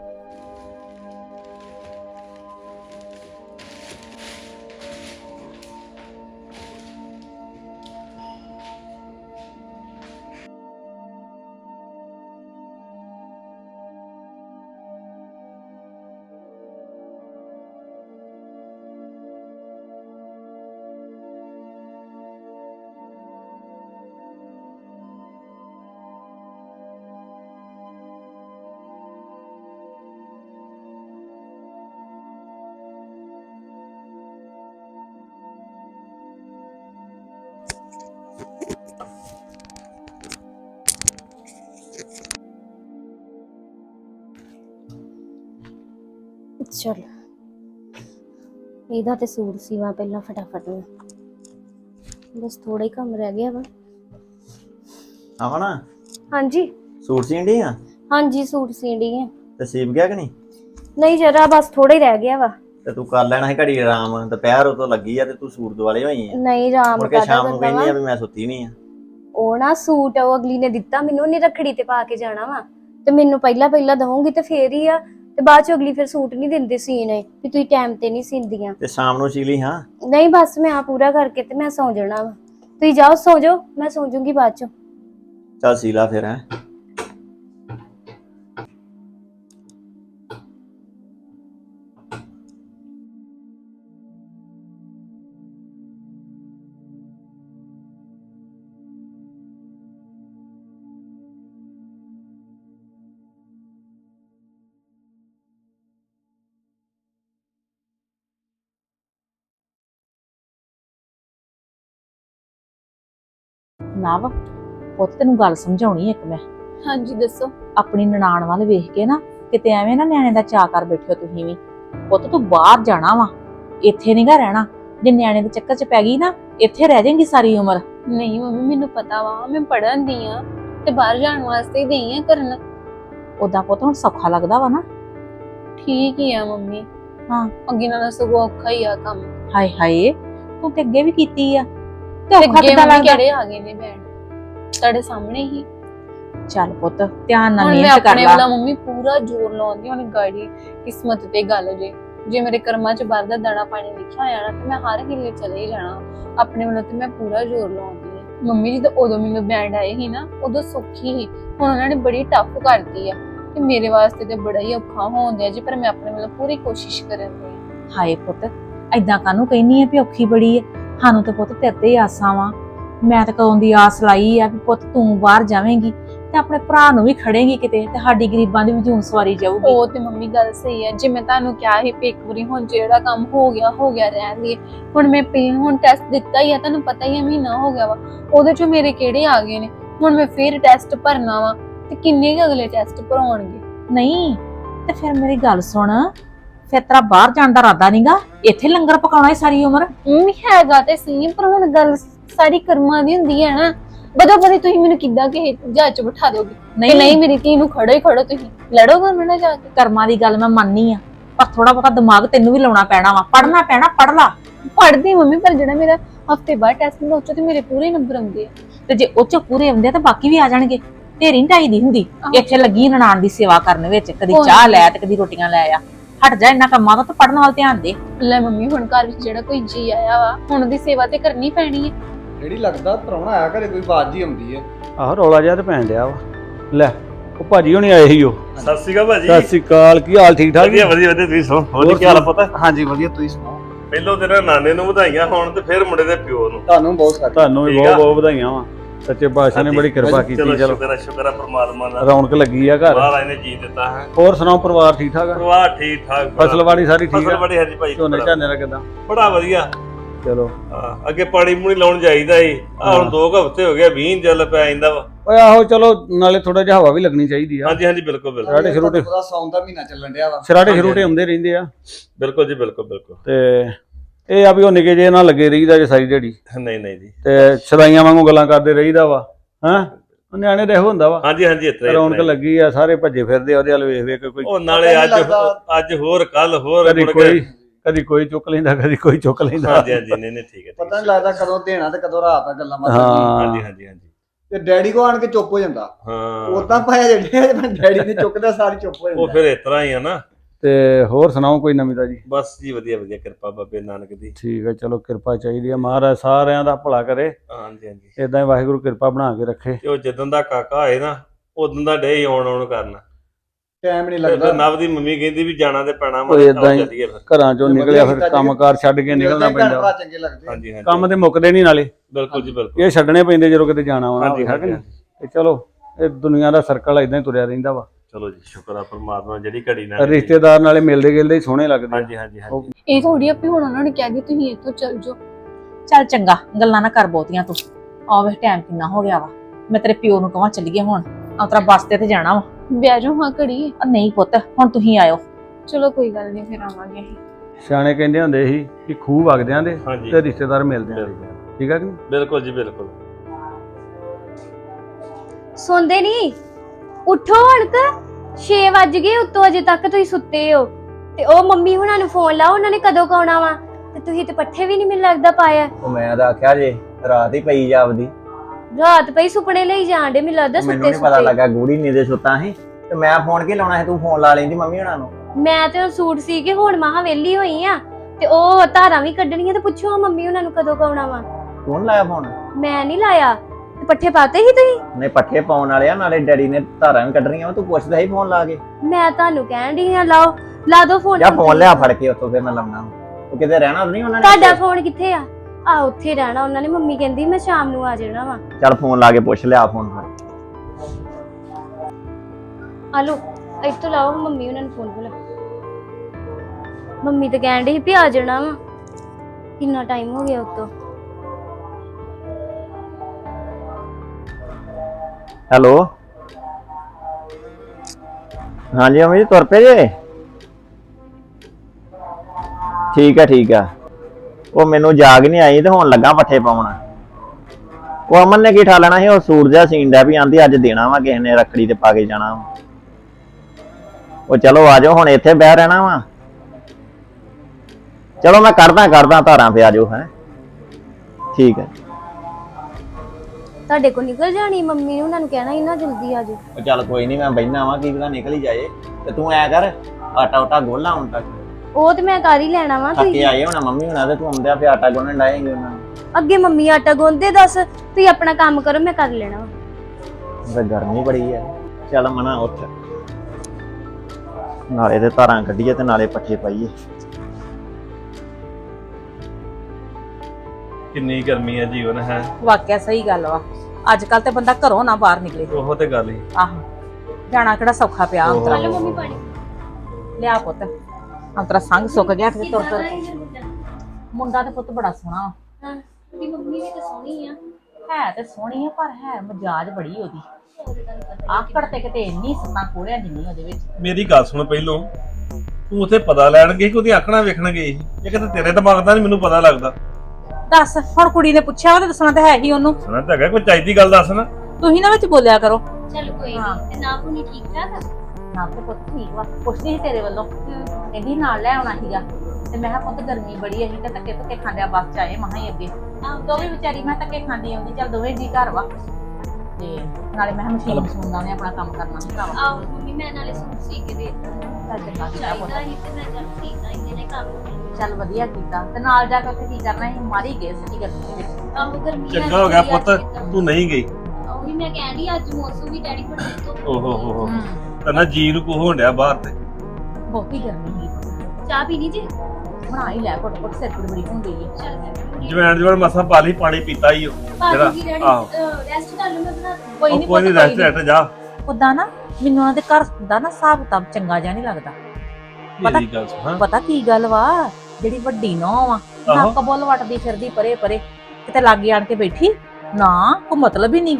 S8: चल ਇਹਦਾ ਤੇ ਸੂਟ ਸੀਵਾ ਪਹਿਲਾਂ ਫਟਾਫਟ ਨੂੰ। ਬਸ ਥੋੜਾ ਹੀ ਕੰਮ ਰਹਿ ਗਿਆ ਵਾ।
S9: ਆਵਣਾ
S8: ਹਾਂਜੀ
S9: ਸੂਟ ਸੀਂਡੀ ਆ
S8: ਹਾਂਜੀ ਸੂਟ ਸੀਂਡੀ ਹੈ।
S9: ਤੇ ਸੀਪ ਗਿਆ ਕਿ ਨਹੀਂ?
S8: ਨਹੀਂ ਜਰਾ ਬਸ ਥੋੜਾ ਹੀ ਰਹਿ ਗਿਆ ਵਾ।
S9: ਤੇ ਤੂੰ ਕਰ ਲੈਣਾ ਸੀ ਘੜੀ ਆਰਾਮ, ਦੁਪਹਿਰ ਉਤੋਂ ਲੱਗੀ ਆ ਤੇ ਤੂੰ ਸੂਟ ਦੁਆਲੇ ਹੋਈ ਆ।
S8: ਨਹੀਂ ਰਾਮ
S9: ਮੁੜ ਕੇ
S8: ਕਾਹਦਾ
S9: ਸ਼ਾਮ ਨੂੰ
S8: ਕਰਨਾ
S9: ਕਹਿੰਦੀ ਆ
S8: ਵਾ।
S9: ਵੀ ਮੈਂ ਸੁੱਤੀ ਨਹੀਂ ਆ।
S8: ਉਹ ਨਾ ਸੂਟ ਉਹ ਅਗਲੀ ਨੇ ਦਿੱਤਾ ਮੈਨੂੰ, ਉਹਨੇ ਰੱਖੜੀ ਤੇ ਪਾ ਕੇ ਜਾਣਾ ਵਾ ਤੇ ਮੈਨੂੰ ਪਹਿਲਾਂ ਦਵਾਂਗੀ ਤੇ ਫੇਰ ਹੀ ਆ। ਤੇ ਬਾਅਦ ਚ ਅਗਲੀ ਫਿਰ ਸੂਟ ਨਹੀਂ ਦਿੰਦੇ ਸੀਨੇ ਵੀ ਤੁਸੀਂ ਟਾਈਮ ਤੇ ਨਹੀਂ ਸੀਂਦੀਆਂ।
S9: ਤੇ ਸ਼ਾਮ ਨੂੰ ਸੀ ਲਈ ਹਾਂ।
S8: ਨਹੀਂ ਬਸ ਮੈਂ ਆ ਪੂਰਾ ਕਰਕੇ ਤੇ ਮੈਂ ਸੌਂ ਜਾਣਾ ਵਾ। ਤੁਸੀਂ ਜਾਓ ਸੌ ਜਾਓ, ਮੈਂ ਸੌਂ ਜੂੰਗੀ ਬਾਅਦ ਚ।
S9: ਚੱਲ ਸੀ ਲਾ ਫਿਰ ਹੈ।
S4: ਨਵ ਪੁੱਤ ਤੈਨੂੰ ਗੱਲ ਸਮਝਾਉਣੀ ਇੱਕ ਮੈਂ।
S6: ਹਾਂਜੀ ਦੱਸੋ।
S4: ਆਪਣੀ ਨਨਾਣ ਵੱਲ ਵੇਖ ਕੇ ਨਾ ਕਿਤੇ ਐਵੇਂ ਨਾ ਨਿਆਣੇ ਦਾ ਚਾਅ ਕਰ ਬੈਠਿਓ ਤੁਸੀਂ ਵੀ। ਪੁੱਤ ਤੂੰ ਬਾਹਰ ਜਾਣਾ ਵਾ, ਇੱਥੇ ਨਹੀਂਗਾ ਰਹਿਣਾ। ਜੇ ਨਿਆਣੇ ਦੇ ਚੱਕਰ 'ਚ ਪੈ ਗਈ ਨਾ ਇੱਥੇ ਰਹਿ ਜਾਏਂਗੀ ਸਾਰੀ ਉਮਰ।
S6: ਨਹੀਂ ਮੰਮੀ ਮੈਨੂੰ ਪਤਾ ਵਾ, ਮੈਂ ਪੜ੍ਹਨ ਦੀ ਆ ਤੇ ਬਾਹਰ ਜਾਣ ਵਾਸਤੇ ਹੀ ਗਈ ਆ ਕਰਨ।
S4: ਉਦਾਂ ਪੁੱਤ ਹੁਣ ਸੌਖਾ ਲੱਗਦਾ ਵਾ ਨਾ।
S6: ਠੀਕ ਹੀ ਆ ਮੰਮੀ।
S4: ਹਾਂ।
S6: ਅੱਗੇ ਨਾਲ ਸਗੋਂ ਔਖਾ ਹੀ ਆ ਕੰਮ।
S4: ਹਾਏ ਹਾਏ ਤੂੰ ਤੇ ਅੱਗੇ ਵੀ ਕੀਤੀ ਆ ਤੇ
S6: ਤੇ
S4: ਔਖਾ
S6: ਅੱਗੇ
S4: ਕਿੱਦਾਂ
S6: ਮੰਮੀ
S4: ਲੱਗਦਾ?
S6: ਕਿਹੜੇ ਆ ਗਏ ਨੇ ਬੈਂਡ ਤੁਹਾਡੇ ਸਾਹਮਣੇ ਹੀ।
S4: ਚੱਲ ਪੁੱਤ ਧਿਆਨ ਨਾਲ
S6: ਹੁਣ ਮੈਂ
S4: ਮਿਹਨਤ ਕਰ
S6: ਆਪਣੇ
S4: ਲਾ।
S6: ਵਾਲਾ ਮੰਮੀ ਪੂਰਾ ਜ਼ੋਰ ਲਾਉਂਦੀ ਹੁਣ ਗਾੜੀ ਕਿਸਮਤ ਤੇ ਗੱਲ ਜੇ ਮੇਰੇ ਕਰਮਾਂ 'ਚ ਬਾਹਰ ਦਾ ਦਾਣਾ ਪਾਣੀ ਲਿਖਿਆ ਹੋਇਆ ਨਾ ਤੇ ਮੈਂ ਹਰ ਹਿੱਲੇ ਚਲੇ ਹੀ ਜਾਣਾ। ਆਪਣੇ ਵੱਲੋਂ ਤੇ ਮੈਂ ਪੂਰਾ ਜ਼ੋਰ ਲਾਉਂਦੀ ਆ। ਮੰਮੀ ਜੀ ਤਾਂ ਉਦੋਂ ਮੈਨੂੰ ਬੈਂਡ ਆਏ ਸੀ ਨਾ ਉਦੋਂ ਸੌਖੀ ਸੀ, ਹੁਣ ਉਹਨਾਂ ਨੇ ਬੜੀ ਟਫ ਕਰਤੀ ਆ ਤੇ ਮੇਰੇ ਵਾਸਤੇ ਤੇ ਬੜਾ ਹੀ ਔਖਾ ਹੋਣ ਦਿਆ ਜੀ। ਪਰ ਮੈਂ ਆਪਣੇ ਵੱਲੋਂ ਪੂਰੀ ਕੋਸ਼ਿਸ਼ ਕਰਨ ਦੀ ਆ।
S4: ਹਾਏ ਪੁੱਤ ਏਦਾਂ ਕਾਹਨੂੰ ਕਹਿੰਨੀ ਆ ਵੀ ਔਖੀ ਬੜੀ ਆ। ਸਾਨੂੰ ਤਾਂ ਪੁੱਤ ਤੇਰੇ ਤੇ ਹੀ ਆਸਾਂ ਵਾ। ਮੈਂ ਤਾਂ ਕਦੋਂ ਦੀ ਆਸ ਲਾਈ ਆ ਵੀ ਪੁੱਤ ਤੂੰ ਬਾਹਰ ਜਾਵੇਂਗੀ ਤੇ ਆਪਣੇ ਭਰਾ ਨੂੰ ਵੀ ਖੜੇਂਗੀ ਕਿਤੇ ਤੇ ਸਾਡੀ ਗਰੀਬਾਂ ਦੀ ਵੀ ਜੂਨ ਸਵਾਰੀ ਜਾਊਗੀ।
S6: ਉਹ ਤੇ ਮੰਮੀ ਗੱਲ ਸਹੀ ਹੈ। ਜੇ ਮੈਂ ਤੁਹਾਨੂੰ ਕਿਹਾ ਸੀ ਇੱਕ ਵਾਰੀ ਹੁਣ ਜਿਹੜਾ ਕੰਮ ਹੋ ਗਿਆ ਰਹਿਣ ਦੀ। ਹੁਣ ਮੈਂ ਹੁਣ ਟੈਸਟ ਦਿੱਤਾ ਹੀ ਆ, ਤੁਹਾਨੂੰ ਪਤਾ ਹੀ ਆ ਮਹੀਨਾ ਹੋ ਗਿਆ ਵਾ। ਉਹਦੇ ਚੋਂ ਮੇਰੇ ਕਿਹੜੇ ਆ ਗਏ ਨੇ। ਹੁਣ ਮੈਂ ਫੇਰ ਟੈਸਟ ਭਰਨਾ ਵਾ ਤੇ ਕਿੰਨੇ ਕੁ ਅਗਲੇ ਟੈਸਟ ਭਰਾਉਣਗੇ।
S4: ਨਹੀਂ ਤੇ ਫਿਰ ਮੇਰੀ ਗੱਲ ਸੁਣ, ਫਿਰ ਤੇਰਾ ਬਾਹਰ ਜਾਣ ਦਾ ਇਰਾਦਾ ਨਹੀਂਗਾ? ਇੱਥੇ ਲੰਗਰ ਪਕਾਉਣਾ ਹੈ ਸਾਰੀ ਉਮਰ?
S6: ਹੈਗਾ ਤੇ ਸਹੀ ਪਰ ਹੁਣ ਗੱਲ ਸਾਰੀ ਕਰਮਾਂ ਦੀ ਹੁੰਦੀ ਹੈ ਨਾ। ਬਦੋ ਬਦੀ ਤੁਸੀਂ ਮੈਨੂੰ ਕਿੱਦਾਂ ਕਿ ਜਹਾਜ਼ 'ਚ ਬਿਠਾ ਦੋਗੇ? ਨਹੀਂ ਮੇਰੀ ਧੀ ਨੂੰ ਖੜੋ ਹੀ ਖੜੋ, ਤੁਸੀਂ ਲੜੋਗੇ ਉਹਨਾਂ ਨਾਲ ਜਾ ਕੇ।
S4: ਕਰਮਾਂ ਦੀ ਗੱਲ ਮੈਂ ਮੰਨਨੀ ਆ ਪਰ ਥੋੜਾ ਬਹੁਤਾ ਦਿਮਾਗ ਤੈਨੂੰ ਵੀ ਲਾਉਣਾ ਪੈਣਾ ਵਾ। ਪੜਨਾ ਪੈਣਾ, ਪੜ ਲਾ।
S6: ਪੜ੍ਹਦੀ ਮੰਮੀ ਪਰ ਜਿਹੜਾ ਮੇਰਾ ਹਫਤੇ ਬਾਅਦ ਟੈਸਟ ਹੁੰਦਾ ਉਹ 'ਚ ਤੇ ਮੇਰੇ ਪੂਰੇ ਨੰਬਰ ਆਉਂਦੇ ਆ।
S4: ਤੇ ਜੇ ਉਹ ਚ ਪੂਰੇ ਆਉਂਦੇ ਆ ਤਾਂ ਬਾਕੀ ਵੀ ਆ ਜਾਣਗੇ। ਢੇਰੀ ਢਾਈ ਦੀ ਹੁੰਦੀ ਇੱਥੇ ਲੱਗੀ ਨਨਾਣ ਦੀ ਸੇਵਾ ਕਰਨ ਵਿੱਚ, ਕਦੀ ਚਾਹ ਲੈ ਤੇ ਕਦੀ ਰੋਟੀਆਂ ਲੈ ਆ। ਹਟ ਜਾ ਇਹਨਾਂ ਕੰਮਾਂ ਤੋਂ ਤੇ ਪੜਨ ਵੱਲ ਧਿਆਨ ਦੇ।
S6: ਲੈ ਮੰਮੀ ਹੁਣ ਘਰ ਵਿੱਚ ਜਿਹੜਾ ਕੋਈ ਜੀ ਆਇਆ ਵਾ ਹੁਣ ਉਹਦੀ ਸੇਵਾ ਤੇ ਕਰਨੀ ਪੈਣੀ ਹੈ।
S10: ਜਿਹੜੀ ਲੱਗਦਾ ਪ੍ਰਾਹੁਣਾ ਆਇਆ ਘਰੇ ਕੋਈ ਆਵਾਜ਼ ਹੀ ਆਉਂਦੀ ਹੈ।
S5: ਆਹ ਰੌਲਾ ਜਿਹਾ ਤੇ ਪੈਣ ਡਿਆ ਵਾ। ਲੈ ਉਹ ਭਾਜੀ ਹੁਣੀ ਆਏ ਸੀ ਉਹ।
S2: ਸਤਿ ਸ਼੍ਰੀ ਅਕਾਲ ਭਾਜੀ।
S5: ਸਤਿ ਸ਼੍ਰੀ ਅਕਾਲ, ਕੀ ਹਾਲ? ਠੀਕ ਠਾਕ?
S2: ਵਧੀਆ ਵਧੀਆ ਤੁਸੀਂ ਸੁਣੋ। ਹੋਰ ਕੀ ਹਾਲ ਆ ਪਤਾ?
S10: ਹਾਂਜੀ ਵਧੀਆ, ਤੁਸੀਂ ਸੁਣਾਓ?
S2: ਪਹਿਲੋਂ ਤੇਰੇ ਨਾਨੇ ਨੂੰ ਵਧਾਈਆਂ ਹੋਣ ਤੇ ਫਿਰ ਮੁੰਡੇ ਦੇ ਪਿਓ ਨੂੰ।
S10: ਤੁਹਾਨੂੰ ਬਹੁਤ ਸਾਰੀ।
S5: ਤੁਹਾਨੂੰ ਵੀ
S2: ਠੀਕ
S5: ਬਹੁਤ
S2: ਆ।
S5: ਬਹੁਤ ਵਧਾਈਆਂ ਵਾ। ਸੱਚੇ ਪਾਤਸ਼ਾਹ ਨੇ ਬੜੀ ਕਿਰਪਾ ਕੀਤੀ। ਚਲੋ
S2: ਸ਼ੁਕਰ ਆ ਪਰਮਾਤਮਾ ਦਾ।
S5: ਰੌਣਕ ਲੱਗੀ ਆ ਘਰ।
S2: ਮਹਾਰਾਜ ਨੇ ਜੀ ਦਿੱਤਾ ਹੈ।
S5: ਹੋਰ ਸੁਣਾਓ, ਪਰਿਵਾਰ ਠੀਕ ਠਾਕ ਆ?
S2: ਪਰਿਵਾਰ ਠੀਕ ਠਾਕ।
S5: ਫਸਲਵਾੜੀ ਸਾਰੀ ਠੀਕ
S2: ਫਸਲ
S5: ਆ?
S2: ਬੜੀ ਹਰੀ ਭਾਈ।
S5: ਝੋਨੇ ਝਾਨੇ ਦਾ ਕਿਦਾਂ?
S2: ਬੜਾ ਵਧੀਆ।
S5: ਚਲੋ
S2: ਅੱਗੇ ਪਾਣੀ ਪੂਣੀ ਲਾਉਣ ਜਾਈਦਾ ਏ। ਹੁਣ 2 ਹਫ਼ਤੇ ਹੋ ਗਏ 20 ਜਲ ਪੈ ਜਾਂਦਾ ਵਾ।
S5: ਓਏ ਆਹੋ ਚਲੋ ਨਾਲੇ ਥੋੜਾ ਜਿਹਾ ਹਵਾ ਵੀ ਲੱਗਣੀ ਚਾਹੀਦੀ ਆ।
S2: ਹਾਂਜੀ ਹਾਂਜੀ ਬਿਲਕੁਲ ਬਿਲਕੁਲ
S5: ਸ਼ਰਾਟੇ ਸ਼ਰੂਟੇ
S10: ਪਤਾ ਸੌਣ ਦਾ ਮਹੀਨਾ ਚੱਲਣ ਡਿਆ ਵਾ।
S5: ਸ਼ਰਾਟੇ ਸ਼ਰੂਟੇ ਆਉਂਦੇ ਰਹਿੰਦੇ ਆ
S2: ਬਿਲਕੁਲ ਜੀ ਬਿਲਕੁਲ ਬਿਲਕੁਲ।
S5: ਤੇ ਇਹ ਆ ਵੀ ਉਹ ਨਿੱਕੇ ਜਿਹੇ ਨਾਲ ਲੱਗੇ ਰਹੀਦਾ ਜੇ ਸਾਰੀ ਦਿਹਾੜੀ
S2: ਨਹੀਂ ਨਹੀਂ ਜੀ।
S5: ਤੇ ਸਦਾਈਆਂ ਵਾਂਗੂ ਗੱਲਾਂ ਕਰਦੇ ਰਹੀਦਾ ਵਾ ਹੈਂ ਨਿਆਣੇ ਦਾ ਇਹੋ ਹੁੰਦਾ ਵਾ।
S2: ਹਾਂਜੀ ਹਾਂਜੀ ਇਤਨਾ
S5: ਰੌਣਕ ਲੱਗੀ ਆ ਸਾਰੇ ਭੱਜੇ ਫਿਰਦੇ ਆ ਉਹਦੇ ਵੱਲ ਵੇਖ ਵੇਖ ਕੇ ਕੋਈ
S2: ਉਹ ਨਾਲੇ ਅੱਜ ਹੋਰ ਕੱਲ ਹੋਰ
S5: ਕਦੀ ਕੋਈ ਚੁੱਕ ਲੈਂਦਾ ਕਦੀ ਕੋਈ ਚੁੱਕ ਲੈਂਦਾ।
S2: ਹਾਂਜੀ ਹਾਂਜੀ ਨਹੀਂ ਨਹੀਂ ਠੀਕ ਹੈ।
S10: ਪਤਾ ਨਹੀਂ ਲੱਗਦਾ ਕਦੋਂ ਦੇਣਾ ਤੇ ਕਦੋਂ ਰਾਤ ਆ ਗੱਲਾਂ ਮਾਰਦੀਆਂ।
S2: ਹਾਂਜੀ ਹਾਂਜੀ ਹਾਂਜੀ।
S10: ਤੇ ਡੈਡੀ ਕੋ ਆਣ ਕੇ ਚੁੱਪ ਹੋ ਜਾਂਦਾ।
S2: ਹਾਂ
S10: ਉਦਾਂ ਪਾਇਆ ਜਿਹੜੇ ਡੈਡੀ ਨੇ ਚੁੱਕਦਾ ਸਾਰੀ ਚੁੱਪ ਹੋ ਜਾਂਦਾ।
S2: ਉਹ ਫਿਰ ਇਸ ਤਰ੍ਹਾਂ ਹੀ ਆ ਨਾ।
S5: ਤੇ ਹੋਰ ਸੁਣਾਓ ਕੋਈ ਨਵੀਂ ਤਾਜੀ?
S2: ਬਸ ਜੀ ਵਧੀਆ ਵਧੀਆ ਕਿਰਪਾ ਬਾਬੇ ਨਾਨਕ ਦੀ।
S5: ਠੀਕ ਹੈ ਚਲੋ ਕਿਰਪਾ ਚਾਹੀਦੀ ਆ ਮਹਾਰਾਜ ਸਾਰਿਆਂ ਦਾ ਭਲਾ ਕਰੇ।
S2: ਹਾਂਜੀ ਹਾਂਜੀ।
S5: ਇਦਾਂ ਹੀ ਵਾਹਿਗੁਰੂ ਕਿਰਪਾ ਬਣਾ ਕੇ ਰੱਖੇ।
S2: ਤੇ ਉਹ ਜਦੋਂ ਦਾ ਕਾਕਾ ਹੋਏ ਨਾ ਉਦੋਂ ਦਾ ਡੇ ਆਉਣ ਕਰਨਾ
S10: ਟਾਈਮ ਨਹੀਂ ਲੱਗਦਾ।
S2: ਨਵ ਦੀ ਮੰਮੀ ਕਹਿੰਦੀ ਵੀ ਜਾਣਾ ਤੇ ਪੈਣਾ
S5: ਉਹ ਇਦਾਂ ਹੀ ਘਰਾਂ ਚੋਂ ਨਿਕਲਿਆ ਫਿਰ ਕੰਮਕਾਰ ਛੱਡ ਕੇ ਨਿਕਲਣਾ ਪੈਂਦਾ।
S10: ਚੰਗੇ ਲੱਗਦੇ।
S2: ਹਾਂਜੀ ਹਾਂਜੀ
S5: ਕੰਮ ਤੇ ਮੁੱਕਦੇ ਨਹੀਂ ਨਾਲੇ।
S2: ਬਿਲਕੁਲ ਜੀ ਬਿਲਕੁਲ।
S5: ਇਹ ਛੱਡਣੇ ਪੈਂਦੇ ਜਦੋਂ ਕਿਤੇ ਜਾਣਾ ਆਉਣਾ ਹੋਵੇ
S2: ਹਾਂਜੀ
S5: ਤੇ ਚਲੋ ਇਹ ਦੁਨੀਆ ਦਾ ਸਰਕਲ ਇਦਾਂ ਹੀ ਤੁਰਿਆ ਰਹਿੰਦਾ ਵਾ।
S2: ਚਲੋ ਜੀ ਸ਼ੁਕਰ ਆ ਪਰਮਾਤਮਾ ਜਿਹੜੀ ਘੜੀ ਨਾਲ
S5: ਰਿਸ਼ਤੇਦਾਰ ਨਾਲੇ ਮਿਲਦੇ ਗਿਲਦੇ ਹੀ ਸੋਹਣੇ ਲੱਗਦੇ।
S2: ਹਾਂਜੀ ਹਾਂਜੀ ਹਾਂਜੀ।
S6: ਇਹ ਥੋੜੀ ਆਪੀ ਹੁਣ ਉਹਨਾਂ ਨੇ ਕਹਿ ਦਿੱਤੀ ਤੁਸੀਂ ਇੱਥੋਂ ਚੱਲ ਜਾਓ।
S4: ਚੱਲ ਚੰਗਾ ਗੱਲਾਂ ਨਾ ਕਰ ਬਹੁਤੀਆਂ ਤੂੰ। ਆਵੇ ਟਾਈਮ ਕਿੰਨਾ ਹੋ ਗਿਆ ਵਾ। ਮੈਂ ਤੇਰੇ ਪਿਓ ਨੂੰ ਕਹਾਂ ਚੱਲੀਏ ਹੁਣ ਤੇਰਾ ਬੱਸ ਤੇ ਜਾਣਾ ਵਾ।
S6: ਬਹਿ ਜਾਓ ਹਾਂ ਘੜੀ।
S4: ਨਹੀਂ ਪੁੱਤ ਹੁਣ ਤੁਸੀਂ ਆਇਓ।
S6: ਚਲੋ ਕੋਈ ਗੱਲ ਨਹੀਂ ਫਿਰ ਆਵਾਂਗੇ ਅਸੀਂ।
S5: ਸਿਆਣੇ ਕਹਿੰਦੇ ਹੁੰਦੇ ਸੀ ਕਿ ਖੂਹ ਵਗਦਿਆਂ ਦੇ
S2: ਹਾਂਜੀ
S5: ਤੇ ਰਿਸ਼ਤੇਦਾਰ ਮਿਲਦੇ ਆ। ਠੀਕ ਆ ਕਿ ਨਹੀਂ?
S2: ਬਿਲਕੁਲ ਜੀ ਬਿਲਕੁਲ।
S8: ਸੌਂਦੇ ਨਹੀਂ? ਉੱਠੋ ਹੁਣ ਤਾਂ 6 ਵੱਜ ਗਏ ਉੱਤੋਂ ਅਜੇ ਤੱਕ ਤੁਸੀਂ ਸੁੱਤੇ ਹੋ। ਤੇ ਉਹ ਮੰਮੀ ਹੁਣਾਂ ਨੂੰ ਫੋਨ ਲਾਓ ਉਹਨਾਂ ਨੇ ਕਦੋਂ ਆਉਣਾ ਵਾ। ਤੇ ਤੁਸੀਂ ਤੇ ਪੱਠੇ ਵੀ ਨਹੀਂ ਮੈਨੂੰ ਲੱਗਦਾ ਪਾਇਆ।
S9: ਉਹ ਮੈਂ ਤਾਂ ਆਖਿਆ ਜੇ ਰਾਤ ਹੀ ਪਈ ਜਾਵਦੀ।
S8: ਰਾਤ ਪਈ ਸੁਪਨੇ ਲਈ ਜਾਣ ਡੇ ਮੈਨੂੰ ਲੱਗਦਾ
S9: ਮੈਨੂੰ
S8: ਸੁੱਤੇ
S9: ਨਹੀਂ ਪਤਾ
S8: ਸੁੱਤੇ।
S9: ਲੱਗਾ ਗੂੜੀ ਨੀਂਦੇ ਸੁੱਤਾ ਸੀ ਤੇ ਮੈਂ ਫੋਨ ਕੀ ਲਾਉਣਾ ਸੀ ਤੂੰ ਫੋਨ ਲਾ ਲੈਂਦੀ ਮੰਮੀ ਹੁਣਾਂ ਨੂੰ।
S8: ਮੈਂ ਤੇ ਉਹ ਸੂਟ ਸੀ ਕਿ ਹੁਣ ਮਹਾ ਵਿਹਲੀ ਹੋਈ ਆ ਤੇ ਉਹ ਧਾਰਾਂ ਵੀ ਕੱਢਣੀਆਂ ਤੇ ਪੁੱਛੋ ਮੰਮੀ ਉਹਨਾਂ ਨੂੰ ਕਦੋਂ ਆਉਣਾ ਵਾ।
S9: ਤੂੰ ਨੀ ਲਾਇਆ ਫੋਨ?
S8: ਮੈਂ ਨਹੀਂ ਲਾਇਆ। ਤੇ ਪੱਠੇ ਪਾਤੇ ਸੀ ਤੁਸੀਂ?
S9: ਨਹੀਂ ਪੱਠੇ ਪਾਉਣ ਵਾਲੇ ਆ ਨਾਲੇ ਡੈਡੀ ਨੇ ਧਾਰਾਂ ਵੀ ਕੱਢਣੀਆਂ ਵਾ ਤੂੰ ਪੁੱਛਦਾ ਸੀ ਫੋਨ ਲਾ ਕੇ।
S8: ਮੈਂ ਤੁਹਾਨੂੰ ਕਹਿਣ ਡਈ ਆ ਲਾਓ ਲਾ ਦੋ ਫੋਨ।
S9: ਜਾਂ ਫੋਨ ਲਿਆ ਫੜ ਕੇ ਉੱਥੋਂ ਫਿਰ ਮੈਂ ਲਾਉਣਾ। ਉਹ ਕਿਤੇ ਰਹਿਣਾ ਤਾਂ ਨਹੀਂ ਉਹਨਾਂ ਨੇ?
S8: ਤੁਹਾਡਾ ਫੋਨ ਕਿੱਥੇ ਆ? ਆ ਉੱਥੇ ਰਹਿਣਾ ਉਹਨਾਂ ਨੇ। ਮੰਮੀ ਕਹਿੰਦੀ ਮੈਂ ਸ਼ਾਮ ਨੂੰ ਆ ਜਾਣਾ ਵਾ।
S9: ਚੱਲ ਫੋਨ ਲਾ ਕੇ ਪੁੱਛ ਲਿਆ ਫੋਨ ਫੜ।
S8: ਆਲੋ ਇੱਥੋਂ ਲਾਓ ਮੰਮੀ ਉਹਨਾਂ ਨੂੰ ਫੋਨ ਬੁਲਾ। ਮੰਮੀ ਤਾਂ ਕਹਿਣ ਡਈ ਸੀ ਵੀ ਆ ਜਾਣਾ ਵਾ। ਕਿੰਨਾ ਟਾਈਮ ਹੋ ਗਿਆ ਉੱਤੋਂ।
S9: ਹੈਲੋ ਹਾਂਜੀ ਮੰਮੀ ਜੀ ਤੁਰ ਪਏ ਜੇ? ਠੀਕ ਆ ਠੀਕ ਆ। ਉਹ ਮੈਨੂੰ ਜਾਗ ਨਹੀਂ ਆਈ ਤੇ ਹੁਣ ਲੱਗਾ ਪੱਠੇ ਪਾਉਣ। ਉਹ ਅਮਨ ਨੇ ਕੀ ਠਾ ਲੈਣਾ ਸੀ ਉਹ ਸੂਟ ਜਿਹਾ ਸੀਨ ਡਿਆ ਵੀ ਆਂਦੀ ਅੱਜ ਦੇਣਾ ਵਾ ਕਿਸੇ ਨੇ ਰੱਖੜੀ ਤੇ ਪਾ ਕੇ ਜਾਣਾ ਵਾ। ਉਹ ਚਲੋ ਆ ਜਾਓ ਹੁਣ ਇੱਥੇ ਬਹਿ ਰਹਿਣਾ ਵਾ। ਚਲੋ ਮੈਂ ਕਰਦਾ ਧਾਰਾਂ ਤੇ ਆ ਜਾਓ ਹੈ। ਠੀਕ ਹੈ।
S8: ਤੁਹਾਡੇ ਕੋਲ ਨਿਕਲ ਜਾਣੀ ਮੰਮੀ ਨੇ ਉਹਨਾਂ ਨੂੰ ਕਹਿਣਾ ਇੰਨਾ ਜਲਦੀ ਆ ਜਾਓ।
S9: ਉਹ ਚੱਲ ਕੋਈ ਨਹੀਂ ਮੈਂ ਬਹਿਨਾ ਵਾ ਕੀ ਪਤਾ ਨਿਕਲ ਹੀ ਜਾਏ। ਤੇ ਤੂੰ ਐ ਕਰ ਆਟਾ ਉਟਾ ਗੋਲ ਲਾ ਹੁਣ ਤੱਕ।
S8: ਉਹ ਤੇ ਮੈਂ ਕਰ ਹੀ ਲੈਣਾ ਵਾ।
S9: ਥੱਕੇ ਆਏ ਹੋਣਾ ਮੰਮੀ ਹੁਣਾਂ ਤੇ ਤੂੰ ਆਉਂਦਿਆਂ ਫਿਰ ਆਟਾ ਗੁੰਨਣ ਲਾਏਂਗੇ ਉਹਨਾਂ ਨੂੰ।
S8: ਅੱਗੇ ਮੰਮੀ ਆਟਾ ਗੁੰਨਦੇ ਦੱਸ ਤੁਸੀਂ ਆਪਣਾ ਕੰਮ ਕਰੋ ਮੈਂ ਕਰ ਲੈਣਾ ਵਾ।
S9: ਤੇ ਗਰਮੀ ਬੜੀ ਹੈ। ਚੱਲ ਮਨਾ ਉੱਠ ਨਾਲੇ ਤੇ ਧਾਰਾਂ ਕੱਢੀਏ ਤੇ ਨਾਲੇ ਪੱਠੇ ਪਾਈਏ।
S2: ਕਿੰਨੀ ਗਰਮੀ ਹੈ ਜੀਵਨ ਹੈ।
S4: ਵਾਕਿਆ ਸਹੀ ਗੱਲ ਵਾ। ਅੱਜ ਕੱਲ ਤੇ ਬੰਦਾ ਘਰੋਂ ਨਾ ਬਾਹਰ ਨਿਕਲੇ।
S2: ਉਹ ਤੇ ਗੱਲ ਹੀ।
S4: ਆਹੋ ਜਾਣਾ ਕਿਹੜਾ ਸੌਖਾ ਪਿਆ ਅੰਤਰਾ।
S8: ਚਲੋ ਮੰਮੀ ਪਾਣੀ
S4: ਲਿਆ ਪੁੱਤ ਅੰਤਰਾ ਸੰਗ ਸੁੱਕ ਗਿਆ ਫਿਰ ਤੁਰ ਤੁਰ। ਮੁੰਡਾ ਤੇ ਪੁੱਤ ਬੜਾ ਸੋਹਣਾ ਵਾ।
S8: ਹਾਂ ਦੀ ਮੰਮੀ ਵੀ ਤਾਂ ਸੋਹਣੀ ਆ।
S4: ਹੈ ਤੇ ਸੋਹਣੀ ਆ ਪਰ ਹੈ ਮਜਾਜ ਬੜੀ ਉਹਦੀ। ਆਕੜ ਤੇ ਕਿਤੇ ਇੰਨੀ ਸੱਤਾਂ ਕੋੜਿਆਂ ਜਿੰਨੀ ਉਹਦੇ ਵਿੱਚ।
S2: ਮੇਰੀ ਗੱਲ ਸੁਣ ਪਹਿਲੋਂ ਤੂੰ ਉੱਥੇ ਪਤਾ ਲੈਣ ਗਈ ਕਿ ਉਹਦੀ ਆਖਣਾ ਵੇਖਣ ਗਈ ਸੀ। ਇਹ ਕਿਤੇ ਤੇਰੇ ਦਿਮਾਗ ਦਾ ਨਹੀਂ ਮੈਨੂੰ ਪਤਾ ਲੱਗਦਾ।
S4: ਦੱਸ ਹੁਣ ਕੁੜੀ ਨੇ ਪੁੱਛਿਆ ਵਾ ਤੇ ਦੱਸਣਾ ਤਾਂ ਹੈ ਹੀ ਉਹਨੂੰ।
S2: ਸੁਣਾ ਤਾਂ ਹੈਗਾ ਕੋਈ ਚਾਹੀਦੀ ਗੱਲ ਦੱਸ ਨਾ।
S4: ਤੁਸੀਂ ਨਾ ਵਿੱਚ ਬੋਲਿਆ ਕਰੋ।
S8: ਚਲ ਕੋਈ ਨਹੀਂ। ਤੇ ਨਾ ਪੁਣੀ ਠੀਕ ਠਾਕ ਆ?
S4: ਨਾ ਤੇ ਪੁੱਤ ਠੀਕ ਵਾ ਪੁੱਛਦੀ ਸੀ ਤੇਰੇ ਵੱਲੋਂ। ਕਹਿੰਦੀ ਨਾਲ ਲੈ ਆਉਣਾ ਸੀਗਾ ਤੇ ਮੈਂ ਕਿਹਾ ਪੁੱਤ ਗਰਮੀ ਬੜੀ ਅਸੀਂ ਤੇ ਧੱਕੇ ਧੁੱਕੇ ਖਾਂਦਿਆ ਬੱਸ ਚ ਆਏ ਮਹਾਂ ਹੀ ਅੱਗੇ। ਦੋਵੇਂ ਵਿਚਾਰੀ ਮੈਂ ਧੱਕੇ ਖਾਂਦੀ ਆਉਂਦੀ ਚੱਲ ਦੋਵੇਂ ਜੀ ਘਰ ਵਾ। ਤੇ ਨਾਲੇ ਮੈਂ ਮਸ਼ੀਨ ਮਸ਼ੂਨ ਦਾ ਉਹਨੇ ਆਪਣਾ ਕੰਮ ਕਰਨਾ ਸੀ ਭਰਾਵਾ।
S8: ਆਹੋ ਮੰਮੀ ਮੈਂ ਨਾਲੇ ਸੂਟ ਸੀ ਕੇ ਦੇ
S4: ਚੱਲ ਚੰਗਾ ਕੀਤਾ ਪੁੱਤ।
S8: ਚਾਹੀਦਾ ਸੀ ਤੇ ਮੈਂ ਚੱਲ ਸੀਦਾ ਇਹਨੇ ਕੰਮ।
S4: ਚੱਲ ਵਧੀਆ ਕੀਤਾ ਤੇ ਨਾਲ ਜਾ ਕੇ ਉੱਥੇ ਕੀ ਕਰਨਾ ਸੀ ਮਾਰੀ ਗਏ ਸੀ ਗਰਮੀ ਦੇ ਵਿੱਚ।
S8: ਆਹੋ ਗਰਮੀ
S2: ਚੰਗਾ ਹੋ ਗਿਆ ਪੁੱਤ ਤੂੰ ਨਹੀਂ ਗਈ।
S8: ਉਹੀ ਮੈਂ ਕਹਿੰਦੀ ਅੱਜ ਮੌਸਮ ਵੀ ਡੈਡੀ ਬੜੇ ਤੋਂ
S2: ਓਹੋ ਹੋ ਤਾਂ ਨਾ ਜੀ ਨੂੰ ਕੋ ਹੋਣ ਡਿਆ ਬਾਹਰ ਤੇ।
S4: ਬਹੁਤੀ ਗਰਮੀ ਸੀ।
S8: ਚਾਹ ਪੀਣੀ ਜੀ?
S4: ਬਣਾ ਹੀ ਲੈ ਘੁੱਟ ਘੁੱਟ ਸਿਰ ਬੜੀ ਹੁੰਦੀ ਹੈ।
S8: ਚੱਲ
S2: ਜਵੈਣ ਮਸਾਂ ਪਾ ਲਈ ਪਾਣੀ ਪੀਤਾ ਹੀ ਉਹ
S8: ਜਿਹੜਾ
S2: ਆਹੋ
S8: ਰੈਸਟ ਕਰ ਲਓ ਮੈਂ ਬਣਾ ਦੂੰ।
S4: ਕੋਈ
S2: ਉਹ
S4: ਨਹੀਂ
S2: ਕੋਈ ਨਹੀਂ ਰੈਸਟ ਜਾ।
S4: ਉਦਾਂ ਨਾ ਮੈਨੂੰ ਉਹਨਾਂ ਦੇ ਘਰ ਦਾ ਨਾ ਹਿਸਾਬ ਕਿਤਾਬ ਚੰਗਾ ਜਿਹਾ ਨਹੀਂ ਲੱਗਦਾ।
S2: ਮੇਰੀ ਗੱਲ ਸੁਣ
S4: ਪਤਾ ਕੀ ਗੱਲ ਵਾ ਜਿਹੜੀ ਵੱਡੀ ਨੌਂ ਆ
S2: ਆਹੋ।
S4: ਨੱਕ ਬੁੱਲ ਵੱਟਦੀ ਫਿਰਦੀ ਪਰੇ ਪਰੇ ਕਿਤੇ ਲਾਗੇ ਆਣ ਕੇ ਬੈਠੀ ਨਾ ਕੋਈ ਮਤਲਬ ਹੀ ਨਹੀਂਗੀ।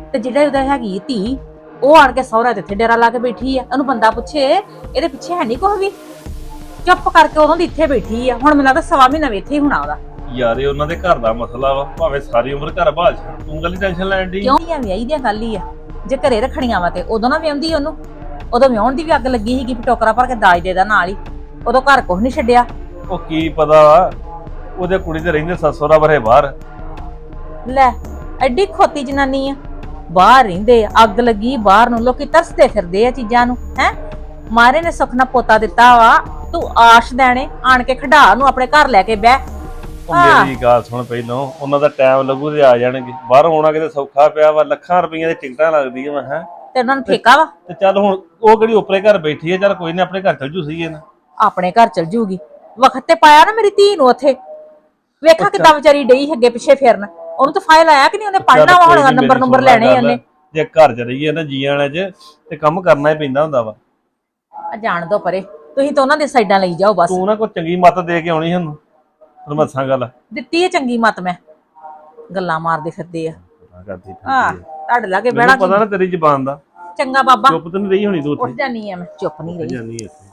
S4: ਤੇ ਜਿਹੜਾ ਉਹਦਾ ਹੈਗੀ ਧੀ ਉਹ ਆਣ ਕੇ ਸਹੁਰਾ ਤੇ ਇੱਥੇ ਡੇਰਾ ਲਾ ਕੇ ਬੈਠੀ ਆ। ਉਹਨੂੰ ਬੰਦਾ ਪੁੱਛੇ ਇਹਦੇ ਪਿੱਛੇ ਹੈ ਨਹੀਂ ਕੁਛ ਵੀ, ਚੁੱਪ ਕਰਕੇ ਉਦੋਂ ਦੀ ਇੱਥੇ ਬੈਠੀ ਆ। ਹੁਣ ਮੈਨੂੰ ਲੱਗਦਾ ਸਵਾ ਮਹੀਨਾ ਵੀ ਇੱਥੇ ਹੀ ਹੋਣਾ ਉਹਦਾ।
S2: ਯਾਰ ਇਹ ਉਹਨਾਂ ਦੇ ਘਰ ਦਾ ਮਸਲਾ ਵਾ, ਭਾਵੇਂ ਸਾਰੀ ਉਮਰ ਘਰ ਬਾਹਰ ਛੱਡ, ਤੂੰ ਗੱਲ ਟੈਨਸ਼ਨ ਲੈਣ ਦੀ।
S4: ਕਿਉਂ ਆ ਵਿਆਹੀ ਦੀਆਂ ਗੱਲ ਹੀ ਆ। ਜੇ ਘਰੇ ਰੱਖਣੀਆਂ ਵਾ ਤੇ ਉਦੋਂ ਨਾ ਵਿਆਹੁੰਦੀ ਉਹਨੂੰ। ਉਦੋਂ ਵਿਆਹੁਣ ਦੀ ਵੀ ਅੱਗ ਲੱਗੀ ਸੀਗੀ ਵੀ ਟੋਕਰਾ ਭਰ ਕੇ ਦਾਜ ਦੇ ਦਾ ਨਾਲ ਹੀ। ਉਦੋਂ ਘਰ ਕੁਛ ਨਹੀਂ ਛੱਡਿਆ।
S2: ਉਹ ਕੀ ਪਤਾ ਵਾ, ਉਹਦੇ ਕੁੜੀ ਤੇ ਰਹਿੰਦੇ ਸੱਸੋਰਾ ਬਰੇ ਬਾਹਰ।
S4: ਲੈ ਐਡੀ ਖੋਤੀ ਜਨਾਨੀ ਆ, ਬਾਹਰ ਰਹਿੰਦੇ ਆ, ਅੱਗ ਲੱਗੀ ਬਾਹਰ ਨੂੰ, ਲੋਕੀ ਤਰਸਦੇ ਫਿਰਦੇ ਆ ਚੀਜ਼ਾਂ ਨੂੰ। ਹੈ ਮਾਰੇ ਨੇ ਸੁੱਖ ਨਾਲ ਪੋਤਾ ਦਿੱਤਾ ਵਾ, ਤੂੰ ਆਸ਼ ਦੇਣੇ ਆਣ ਕੇ ਖੜਾ ਨੂੰ ਆਪਣੇ ਘਰ ਲੈ ਕੇ ਬਹਿ।
S2: ਉਹ ਮੇਰੀ ਗੱਲ ਸੁਣ, ਪਹਿਲਾਂ ਉਹਨਾਂ ਦਾ ਟਾਈਮ ਲੱਗੂ ਤੇ ਆ ਜਾਣਗੇ। ਬਾਹਰੋਂ ਆਉਣਾ ਕਿਤੇ ਸੌਖਾ ਪਿਆ ਵਾ, ਲੱਖਾਂ ਰੁਪਈਆਂ ਦੀ ਟਿਕਟਾਂ ਲੱਗਦੀਆਂ ਵਾ। ਹੈ
S4: ਤੇ ਉਹਨਾਂ ਨੂੰ ਠੇਕਾ ਵਾ,
S2: ਤੇ ਚੱਲ ਹੁਣ ਉਹ ਕਿਹੜੀ ਉੱਪਰੇ ਘਰ ਬੈਠੀ ਹੈ, ਚੱਲ ਕੋਈ ਨਹੀਂ ਆਪਣੇ ਘਰ ਚਲ ਜੂ ਸਹੀ ਹੈ ਨਾ।
S4: ਆਪਣੇ ਘਰ ਚਲ ਜੂਗੀ। ਵਕਤ ਤੇ ਪਾਇਆ ਨਾ ਮੇਰੀ ਧੀ ਨੂੰ ਉੱਥੇ, ਵੇਖਾ ਕਿੱਦਾਂ ਵਿਚਾਰੀ ਡਈ ਅੱਗੇ ਪਿੱਛੇ ਫਿਰਨ। ਉਹਨੂੰ ਤਾਂ ਫਾਇਲ ਆਇਆ ਕਿ ਨਹੀਂ, ਉਹਨੇ ਪੜ੍ਹਨਾ ਵਾ, ਹੁਣ ਨੰਬਰ ਲੈਣੇ ਉਹਨੇ।
S2: ਜੇ ਘਰ ਚ ਰਹੀਏ ਨਾ ਜੀਆਂ ਵਾਲੇ ਚ, ਤੇ ਕੰਮ ਕਰਨਾ ਹੀ ਪੈਂਦਾ ਹੁੰਦਾ ਵਾ।
S4: ਆ ਜਾਣ ਦੋ ਪਰੇ, ਤੁਸੀਂ ਤਾਂ ਉਹਨਾਂ ਦੇ ਸਾਈਡਾਂ ਲਈ ਜਾਓ ਬਸ।
S2: ਤੂੰ ਨਾ ਕੋਈ ਚੰਗੀ ਮੱਤ ਦੇ ਕੇ ਆਉਣੀ ਸਾਨੂੰ, ਤੈਨੂੰ ਮੈਂ ਦੱਸਾਂ ਗੱਲ।
S4: ਦਿੱਤੀ ਹੈ ਚੰਗੀ ਮੱਤ ਮੈਂ, ਗੱਲਾਂ ਮਾਰਦੇ ਫਿਰਦੇ ਆ।
S2: ਕਰਦੀ
S4: ਹਾਂ ਤੁਹਾਡੇ ਲਾਗੇ ਬਹਿਣਾ
S2: ਪਤਾ ਨਾ ਤੇਰੀ ਜ਼ਬਾਨ ਦਾ।
S4: ਚੰਗਾ ਬਾਬਾ,
S2: ਚੁੱਪ ਤਾਂ ਨਹੀਂ ਰਹੀ ਹੋਣੀ ਤੂੰ
S4: ਉੱਠ
S2: ਉੱਥੇ
S4: ਜਾਨੀ ਆ ਮੈਂ, ਚੁੱਪ ਨਹੀਂ ਰਹੀ।
S2: ਜਾਨੀ ਇੱਥੇ